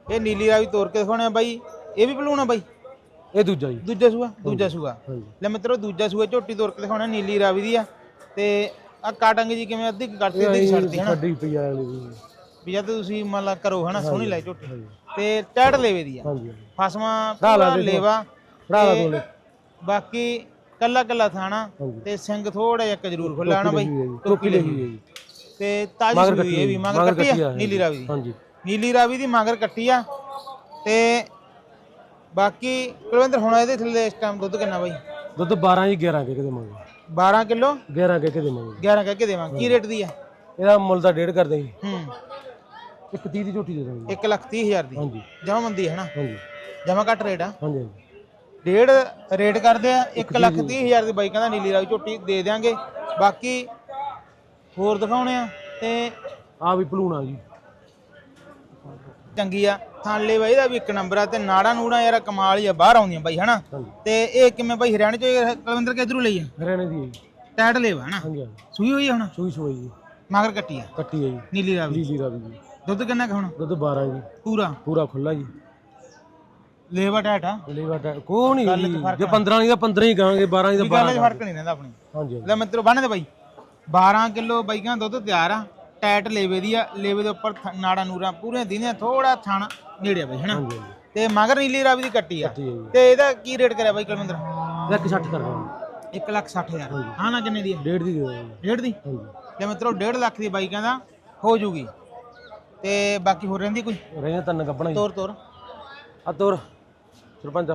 S2: ਇਹ ਨੀਲੀ ਰਾਵੀ ਤੋਰ ਕੇ ਦਿਖਾਉਣੇ ਆ ਬਾਈ। ਇਹ ਵੀ ਭਲੂਣ ਆ ਬਾਈ?
S7: ਇਹ ਦੂਜਾ ਜੀ।
S2: ਦੂਜਾ ਸੂਆ? ਦੂਜਾ ਸੂਆ।
S7: ਹਾਂਜੀ।
S2: ਲੈ ਮਿੱਤਰੋ ਦੂਜਾ ਸੂਆ ਝੋਟੀ ਤੋਰ ਕੇ ਦਿਖਾਉਣਾ ਨੀਲੀ ਰਾਵੀ ਦੀ ਆ। ਤੇ ਆ ਕਾਟਾਂਗੇ ਜੀ ਕਿਵੇਂ ਅੱਧੀ ਕਰਤੀ ਅੱਧੀ ਛੱਡਤੀ ਹਨਾ?
S7: ਛੱਡੀ ਪਈ ਆ ਵਾਲੀ ਜੀ।
S2: ਵੀ ਜਦ ਤੁਸੀਂ ਮੰਨ ਲਾ ਕਰੋ ਹਨਾ ਸੋਹਣੀ ਲੈ ਝੋਟੀ ਤੇ ਟੈੜ ਲੇਵੇ ਦੀ ਆ।
S7: ਹਾਂਜੀ
S2: ਫਸਵਾ
S7: ਲਾ
S2: ਪੂਰਾ ਲੇਵਾ
S7: ਫੜਾ ਲਾ
S2: ਤੇ
S7: ਦੋਲੇ।
S2: ਬਾਕੀ ਕੱਲਾ ਕੱਲਾ ਥਾਣਾ ਤੇ ਸਿੰਘ ਥੋੜਾ ਜਿਹਾ ਇੱਕ ਜ਼ਰੂਰ ਖੁੱਲਾ ਹਨਾ ਬਾਈ।
S7: ਟੋਪੀ ਲਈ ਹੋਈ ਹੈ ਜੀ।
S2: ਤੇ ਤਾਜੀ ਸੂਈ ਇਹ ਵੀ ਮਗਰ ਕੱਟੀ ਆ ਨੀਲੀ ਰਾਵੀ ਦੀ।
S7: ਹਾਂਜੀ।
S2: ਨੀਲੀ ਰਾਵੀ ਦੀ ਮਗਰ ਕੱਟੀ ਆ। ਤੇ ਬਾਕੀ ਕੁਲਵਿੰਦਰ ਹੁਣ ਇਹਦੇ ਥੱਲੇ ਇਸ ਟਾਈਮ ਦੁੱਧ ਕਿੰਨਾ ਬਾਈ?
S7: ਦੁੱਧ 12 ਜੀ 11 ਕੇ ਦੇਵਾਂਗੇ।
S2: 12 ਕਿਲੋ
S7: 11 ਕੇ ਦੇਵਾਂਗੇ।
S2: 11 ਕਹਿ ਕੇ ਦੇਵਾਂਗੇ। ਕੀ ਰੇਟ ਦੀ ਆ?
S7: ਇਹਦਾ ਮੁੱਲ ਤਾਂ 1.5 ਕਰਦੇ ਜੀ।
S2: ਹੂੰ
S7: 130 ਦੀ ਝੋਟੀ ਦੇ ਦਾਂਗੇ।
S2: 1,30,000 ਦੀ
S7: ਹਾਂਜੀ।
S2: ਜਮਾ ਮੰਦੀ ਹੈ ਨਾ?
S7: ਹਾਂਜੀ
S2: ਜਮਾ ਘੱਟ ਰੇਟ ਆ।
S7: ਹਾਂਜੀ ਹਾਂਜੀ।
S2: ਡੇਢ ਰੇਟ ਕਰਦੇ ਆ। 1,30,000 ਦੀ ਬਾਈ ਕਹਿੰਦਾ ਨੀਲੀ ਰਾਵੀ ਝੋਟੀ ਦੇ ਦਿਆਂਗੇ। ਬਾਕੀ ਹੋਰ ਦਿਖਾਉਣੇ ਆ ਤੇ
S7: ਆ ਵੀ ਭਲੂਣਾ ਜੀ।
S2: ਚੰਗੀ ਆ ਥਾਲੇ ਬਾਈ ਦਾ ਵੀ ਇੱਕ ਨੰਬਰ ਆ। ਤੇ ਨਾੜਾ ਨੂੜਾ ਯਾਰ ਕਮਾਲ ਹੀ ਆ ਬਾਹਰ ਆਉਂਦੀਆਂ ਬਾਈ ਹਨਾ? ਤੇ ਇਹ ਕਿਵੇਂ ਬਾਈ ਹਰਿਆਣੇ ਚ ਕੁਲਵਿੰਦਰ ਕਿਧਰੋਂ ਲਈ ਆ?
S7: ਹਰਿਆਣੇ ਦੀ ਹੈ ਜੀ।
S2: ਟੈਟ ਲੇਵਾ ਹਨਾ?
S7: ਹਾਂਜੀ ਹਾਂਜੀ।
S2: ਸੂਈ ਹੋਈ ਆ ਹੁਣ?
S7: ਸੂਈ ਜੀ।
S2: ਮਗਰ ਕੱਟੀ ਆ
S7: ਕੱਟੀ ਹੈ ਜੀ।
S2: ਨੀਲੀ ਰਾਵੀ।
S7: ਲੀਲੀ ਰਾਵੀ ਜੀ।
S2: ਦੁੱਧ ਕਿੰਨਾ ਕੁ ਹੁਣ?
S7: ਦੁੱਧ 12 ਜੀ।
S2: ਪੂਰਾ
S7: ਖੁੱਲਾ ਜੀ।
S2: ਲੇਵਾ ਟੈਟ ਆ?
S7: ਲੇਵਾ ਕੋ ਨਹੀਂ ਜੀ। ਜੇ 15 ਨਹੀਂ ਤਾਂ 15 ਹੀ ਕਹਾਂਗੇ, 12 ਨਹੀਂ ਤਾਂ 12।
S2: ਗੱਲ 'ਚ ਫਰਕ ਨਹੀਂ ਰਹਿੰਦਾ ਆਪਣੀ।
S7: ਹਾਂਜੀ
S2: ਲੈ ਮਿੱਤਰੋ ਬੰਨ ਦੇ ਬਾਈ। 12 ਕਿਲੋ ਬਾਈਆਂ ਦੁੱਧ ਤਿਆਰ ਆ। ਟੈਟ ਲੇਵੇ ਦੀ ਆ। ਲੇਵੇ ਦੇ ਉੱਪਰ ਨਾੜਾ ਨੂਰਾ ਪੂਰੇ ਦਿਨੇ ਥੋੜਾ ਥਣ ਨੇੜੇ ਆ ਬਾਈ ਹਨਾ?
S7: ਹਾਂਜੀ।
S2: ਤੇ ਮਗਰ ਨੀਲੀ ਰਾਵੀ ਦੀ ਕੱਟੀ ਆ।
S7: ਕੱਟੀ ਹੈ ਜੀ।
S2: ਤੇ ਇਹਦਾ ਕੀ ਰੇਟ ਕਰਿਆ ਬਾਈ ਕੁਲਵਿੰਦਰ?
S7: 160 ਕਰ ਦਾਂਗੇ।
S2: 1,60,000। ਹਾਂ ਨਾ ਕਿੰਨੇ ਦੀ ਆ?
S7: 1.5 ਦੀ ਦੇ ਦਾਂਗੇ।
S2: 1.5 ਦੀ?
S7: ਹਾਂਜੀ।
S2: ਲੈ ਮਿੱਤਰੋ 1.5 ਲੱਖ ਦੀ ਬਾਈ ਕਹਿੰਦਾ ਹੋ ਜੂਗੀ। ਤੇ ਬਾਕੀ ਹੋਰ ਰਹਿੰਦੀ ਕੋਈ?
S7: ਰਹਿ ਤਨ ਗੱਬਣਾ ਜੀ।
S2: ਤੋਰ
S7: ਆ ਤੋਰ ਸਰਪੰਚ।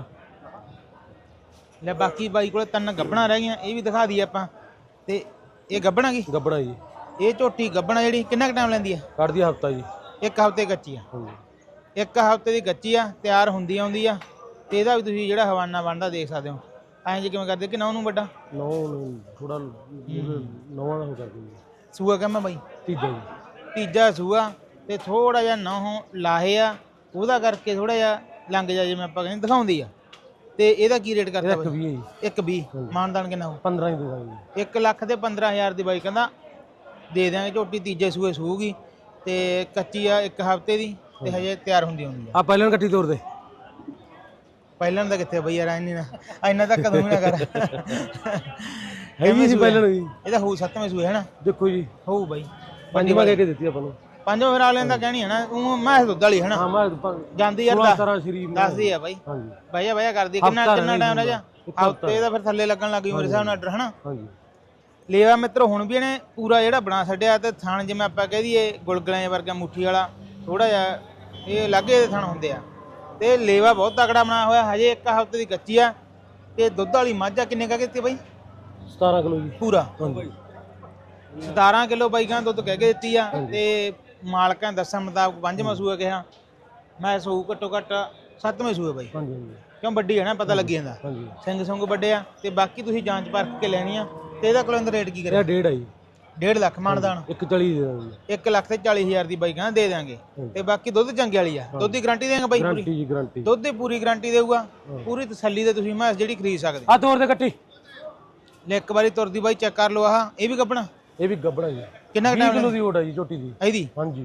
S2: ਲੈ ਬਾਕੀ ਬਾਈ ਕੋਲੇ 3 ਗੱਬਣਾ ਰਹਿ ਗਈਆਂ। ਇਹ ਵੀ ਦਿਖਾ ਦਈਏ ਆਪਾਂ। ਤੇ ਇਹ ਗੱਬਣਾ ਕੀ?
S7: ਗੱਬਣਾ ਜੀ।
S2: ਇਹ ਝੋਟੀ ਗੱਬਣਾ ਜਿਹੜੀ ਕਿੰਨਾ ਕੁ ਟਾਈਮ ਲੈਂਦੀ ਆ?
S7: ਕੱਢਦੀ ਹਫਤਾ ਜੀ।
S2: 1 ਹਫ਼ਤੇ ਕੱਚੀ ਆ।
S7: ਹਾਂਜੀ।
S2: 1 ਹਫ਼ਤੇ ਦੀ ਕੱਚੀ ਆ। ਤਿਆਰ ਹੁੰਦੀ ਆਉਂਦੀ ਆ। ਤੇ ਇਹਦਾ ਵੀ ਤੁਸੀਂ ਜਿਹੜਾ ਹਵਾਨਾ ਬਣਦਾ ਦੇਖ ਸਕਦੇ ਹੋ। ਐਂ ਜੇ ਕਿਵੇਂ ਕਰਦੇ ਕਿ ਨੌ ਨੂੰ ਵੱਡਾ
S7: ਨੌ ਥੋੜਾ ਨੌਵਾਂ ਦਾ ਹੋ ਕਰਦੇ ਜੀ।
S2: ਸੂਆ ਕਹਿੰਦਾ ਬਾਈ?
S7: ਤੀਜਾ ਜੀ।
S2: ਤੀਜਾ ਸੂਆ। ਤੇ ਥੋੜਾ ਜਿਹਾ ਨੌ ਲਾਹੇ ਆ ਉਹਦਾ ਕਰਕੇ ਥੋੜਾ ਜਿਹਾ ਲੰਘ ਜਾ ਜਿਵੇਂ ਆਪਾਂ ਕਹਿੰਦੇ ਦਿਖਾਉਂਦੀ ਆ। ਤੇ ਇਹਦਾ ਕੀ ਰੇਟ ਕਰਦਾ ਬਾਈ?
S7: 120 ਜੀ।
S2: 120। ਮਾਨਦਾਨ ਕਿੰਨਾ ਹੋ?
S7: 15 ਹੀ ਦੇ ਦਾਂਗੇ।
S2: 1,15,000 ਦੀ ਬਾਈ ਕਹਿੰਦਾ ਦੇ ਦਿਆਂਗੇ। ਝੋਟੀ ਤੀਜੇ ਸੂਏ ਸੂਗੀ ਤੇ ਕੱਚੀ ਆ 1 ਹਫ਼ਤੇ ਦੀ ਤੇ ਹਜੇ ਤਿਆਰ ਹੁੰਦੀ ਆ।
S7: ਆ ਪਹਿਲਾਂ ਕੱਟੀ ਤੋਰ ਦੇ।
S2: ਪਹਿਲਾਂ ਦਾ ਕਿੱਥੇ ਬਈ ਯਾਰ ਇੰਨਾ ਤਾਂ ਕਦੋਂ ਵੀ ਨਾ ਕਰ।
S7: ਹੈਗੀ ਸੀ ਪਹਿਲਾਂ ਵੀ।
S2: ਇਹਦਾ ਹੋਊ 7ਵੇਂ ਸੂਏ ਹੈ ਨਾ?
S7: ਦੇਖੋ ਜੀ
S2: ਹੋਊ ਬਾਈ।
S7: ਪੰਜਵਾਂ ਕਹਿ ਕੇ ਦਿੱਤੀ ਆਪਾਂ ਨੂੰ।
S2: 5ਵਾਂ ਫਿਰ ਆਲਿਆਂ ਦਾ ਕਹਿਣੀ ਹੈ ਨਾ। ਉਹ ਮੈਂ ਦੁੱਧ ਵਾਲੀ ਹੈ ਨਾ?
S7: ਹਾਂ ਮੈਂ
S2: ਜਾਂਦੀ ਯਾਰ
S7: 16 ਸ਼ਰੀਫ
S2: ਦੱਸਦੀ ਆ ਬਾਈ।
S7: ਹਾਂਜੀ।
S2: ਬਾਇਆ ਕਰਦੀ ਕਿੰਨਾ ਟਾਈਮ ਰਹਿ ਜਾ? ਹਫ਼ਤੇ ਦਾ ਫਿਰ ਥੱਲੇ ਲੱਗਣ ਲੱਗ ਗਈ ਮੇਰੇ ਹਿਸਾਬ ਨਾਲ ਆਰਡਰ ਹਨਾ?
S7: ਹਾਂਜੀ।
S2: ਲੇਵਾ ਮਿੱਤਰੋ ਹੁਣ ਵੀ ਇਹਨੇ ਪੂਰਾ ਜਿਹੜਾ ਬਣਾ ਛੱਡਿਆ। ਤੇ ਥਣ ਜਿਵੇਂ ਆਪਾਂ ਕਹਿ ਦਈਏ ਗੁਲਗੁਲਿਆਂ ਵਰਗਾ ਮੁੱਠੀ ਵਾਲਾ ਥੋੜਾ ਜਿਹਾ ਇਹ ਲਾਗੇ ਦੇ ਥਣ ਹੁੰਦੇ ਆ। ਤੇ ਲੇਵਾ ਬਹੁਤ ਤਕੜਾ ਬਣਾਇਆ ਹੋਇਆ। ਹਜੇ 1 ਹਫ਼ਤੇ ਦੀ ਕੱਚੀ ਆ। ਤੇ ਦੁੱਧ ਵਾਲੀ ਮੱਝ ਆ ਕਿੰਨੇ ਕਹਿ ਕੇ ਦਿੱਤੀ ਬਾਈ?
S7: 17 ਕਿਲੋ ਜੀ
S2: ਪੂਰਾ।
S7: ਹਾਂਜੀ।
S2: 17 ਕਿਲੋ ਬਾਈਕਾਂ ਦੁੱਧ ਕਹਿ ਕੇ ਦਿੱਤੀ ਆ। ਤੇ ਮਾਲਕਾਂ ਦੱਸਣ ਮੁਤਾਬਕ 5ਵਾਂ ਸੂਆ ਕਿਹਾ। ਮੈਂ ਸੂ ਘੱਟੋ ਘੱਟ 7ਵੇਂ ਸੂਏ ਬਾਈ।
S7: ਹਾਂਜੀ ਹਾਂਜੀ।
S2: ਕਿਉਂ ਵੱਡੀ ਹੈ ਨਾ ਪਤਾ ਲੱਗੀ ਜਾਂਦਾ।
S7: ਹਾਂਜੀ।
S2: ਸਿੰਘ ਸੰਗ ਵੱਡੇ ਆ। ਤੇ ਬਾਕੀ ਤੁਸੀਂ ਜਾਂਚ ਪਰਖ ਕੇ ਲੈਣੀ ਆ। ਤੇ ਇਹਦਾ ਕੁਲਵਿੰਦਰ ਰੇਟ ਕੀ ਕਰਿਆ?
S7: ਇਹ 1.5 ਆ ਜੀ।
S2: 1.5 ਲੱਖ ਮਾਨਦਾਨ।
S7: 140 ਦੇ ਦਾਂਗੇ।
S2: 1,40,000 ਦੀ ਬਾਈ ਕਹਿੰਦਾ ਦੇ ਦਿਆਂਗੇ। ਤੇ ਬਾਕੀ ਦੁੱਧ ਚੰਗੇ ਵਾਲੀ ਆ। ਦੁੱਧ ਦੀ ਗਾਰੰਟੀ ਦੇਵਾਂਗੇ ਬਾਈ ਪੂਰੀ?
S7: ਗਾਰੰਟੀ ਜੀ ਗਾਰੰਟੀ।
S2: ਦੁੱਧ ਦੀ ਪੂਰੀ ਗਾਰੰਟੀ ਦੇਊਗਾ। ਪੂਰੀ ਤਸੱਲੀ ਤੇ ਤੁਸੀਂ ਮੈਂ ਜਿਹੜੀ ਖਰੀਦ ਸਕਦੇ।
S7: ਆ ਤੋਰ ਦੇ ਕੱਟੀ।
S2: ਲੈ ਇੱਕ ਵਾਰੀ ਤੁਰਦੀ ਬਾਈ ਚੈੱਕ ਕਰ ਲਓ। ਆਹ ਇਹ ਵੀ ਕੱਪਣਾ?
S7: ਇਹ ਵੀ ਗੱਬਣਾ ਜੀ।
S2: ਕਿੰਨਾ
S7: 20 ਕਿਲੋ ਦੀ ਓਟ ਆ ਜੀ ਝੋਟੀ ਦੀ।
S2: ਇਹਦੀ?
S7: ਹਾਂਜੀ।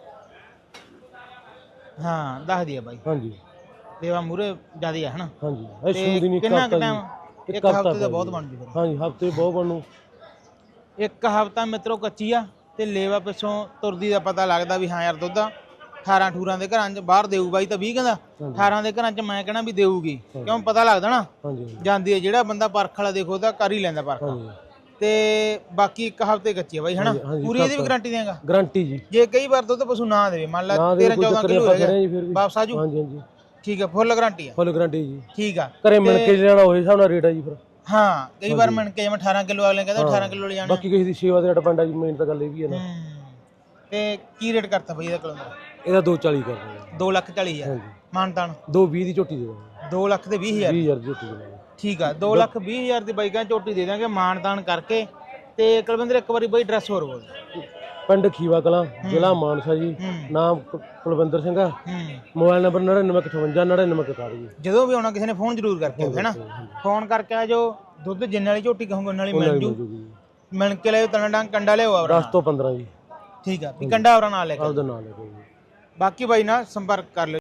S2: ਹਾਂ ਦੱਸ ਦਿਆ ਬਾਈ।
S7: ਹਾਂਜੀ।
S2: ਦੇਵਾ ਮੂਰੇ ਜਿਆਦਾ ਹੈ ਹਨਾ?
S7: ਹਾਂਜੀ। ਇਹ ਸੂਦੀ ਨਹੀਂ
S2: ਕਿੰਨਾ
S7: ਕਰਤਾ
S2: ਟਾਈਮ?
S7: ਜੀ।
S2: 1 ਹਫ਼ਤੇ ਦਾ ਬਹੁਤ ਬਣ ਜੂ ਫਿਰ।
S7: ਹਾਂਜੀ ਹਫ਼ਤੇ ਬਹੁਤ ਬਣੂ।
S2: 1 ਹਫ਼ਤਾ ਮਿੱਤਰੋ ਕੱਚੀ ਆ। ਤੇ ਲੇਵਾ ਪਿੱਛੋਂ ਤੁਰਦੀ ਦਾ ਪਤਾ ਲੱਗਦਾ ਵੀ ਹਾਂ ਯਾਰ ਦੁੱਧ 18 ਦੇ ਘਰਾਂ 'ਚ ਬਾਹਰ ਦੇਊ ਬਾਈ ਤਾਂ 20 ਕਹਿੰਦਾ 18 ਦੇ ਘਰਾਂ 'ਚ ਮੈਂ ਕਹਿਣਾ ਵੀ ਦੇਊਗੀ। ਕਿਉਂ ਪਤਾ ਲੱਗਦਾ ਨਾ?
S7: ਹਾਂਜੀ।
S2: ਜਾਂਦੀ ਹੈ ਜਿਹੜਾ ਬੰਦਾ ਪਰਖ ਵਾਲਾ ਦੇਖੋ ਤਾਂ ਕਰ ਹੀ ਲੈਂਦਾ ਪਰਖ।
S7: ਹਾਂਜੀ।
S2: ਤੇ ਬਾਕੀ 1 ਹਫ਼ਤੇ ਕੱਚੀ ਆ ਬਾਈ ਹਨਾ? ਪੂਰੀ ਇਹਦੀ ਵੀ ਗਾਰੰਟੀ ਦੇਗਾ?
S7: ਗਾਰੰਟੀ ਜੀ।
S2: ਜੇ ਕਈ ਵਾਰ ਦੁੱਧ ਪਸ਼ੂ ਨਾ ਦੇਵੇ ਮੰਨ ਲਾ 13-14 ਕਿਲੋ ਹੈਗਾ ਵਾਪਸ ਆਜੂ?
S7: ਹਾਂਜੀ ਹਾਂਜੀ।
S2: ਠੀਕ ਆ ਫੁੱਲ ਗਾਰੰਟੀ ਆ?
S7: ਫੁੱਲ ਗਾਰੰਟੀ ਜੀ।
S2: ਠੀਕ ਆ।
S7: ਘਰੇ ਮਿਲ ਕੇ ਲੈਣਾ ਹੋਏ ਹਿਸਾਬ ਨਾਲ ਰੇਟ ਆ ਜੀ ਫਿਰ।
S2: ਹਾਂ ਕਈ ਵਾਰ ਮਿਣ ਕੇ ਜਿਵੇਂ 18 ਕਿਲੋ ਅਗਲੇ ਕਹਿੰਦਾ 18 ਕਿਲੋ ਲੈ ਜਾਣਾ।
S7: ਬਾਕੀ ਕਿਸੇ ਦੀ ਸੇਵਾ ਦੇ ਡਿਪੈਂਡ ਆ ਜੀ। ਮੇਨ ਤਾਂ ਗੱਲ ਇਹ ਵੀ ਹੈ ਨਾ।
S2: ਤੇ ਕੀ ਰੇਟ ਕਰਤਾ ਬਈ ਇਹਦਾ ਕਿਲੋ ਦਾ?
S7: ਇਹਦਾ 240 ਕਰ ਦਾਂਗੇ।
S2: 2,40,000 ਮਾਨਤਾਨ?
S7: 220 ਦੀ ਝੋਟੀ ਦੇ ਦਾਂਗੇ।
S2: 2,20,000
S7: 20,000 ਦੀ ਝੋਟੀ ਦੇ ਦਾਂਗੇ।
S2: ਠੀਕ ਆ 2,20,000 ਦੀ ਬਾਈਕਾਂ ਝੋਟੀ ਦੇ ਦਾਂਗੇ ਮਾਨਤਾਨ ਕਰਕੇ। ਤੇ ਕੁਲਵਿੰਦਰ ਇੱਕ ਵਾਰੀ ਬਾਈ ਐਡਰੈਸ ਹੋਰ ਬੋਲ।
S7: ਪਿੰਡ ਖੀਵਾ ਕਲਾਂ ਜ਼ਿਲ੍ਹਾ ਮਾਨਸਾ ਜੀ। ਨਾਮ ਕੁਲਵਿੰਦਰ ਸਿੰਘ ਆ। ਮੋਬਾਈਲ ਨੰਬਰ 9958 9941 ਜੀ।
S2: ਜਦੋਂ ਵੀ ਆਉਣਾ ਕਿਸੇ ਨੇ ਫੋਨ ਜ਼ਰੂਰ ਕਰਕੇ ਆਓ ਹੈ ਨਾ? ਫੋਨ ਕਰਕੇ ਆ ਜੋ ਦੁੱਧ ਜਿੰਨੇ ਵਾਲੀ ਝੋਟੀ ਕਹੋਗੇ ਉਹਨਾਂ ਵਾਲੀ ਮਿਲ ਜੂ। ਮਿਲ ਕੇ ਲਿਓ ਤਣਾ ਡੰਗ ਕੰਡਾ ਲਿਓ ਆਵਰਾ
S7: 10 ਤੋਂ 15 ਜੀ।
S2: ਠੀਕ ਆ ਵੀ ਕੰਡਾ ਆਵਰਾ ਨਾਲ ਲੈ ਕੇ
S7: ਆਪਦਾ ਨਾਲ ਲੈ ਕੇ ਜੀ।
S2: ਬਾਕੀ ਬਾਈ ਨਾਲ ਸੰਪਰਕ ਕਰ ਲਿਓ।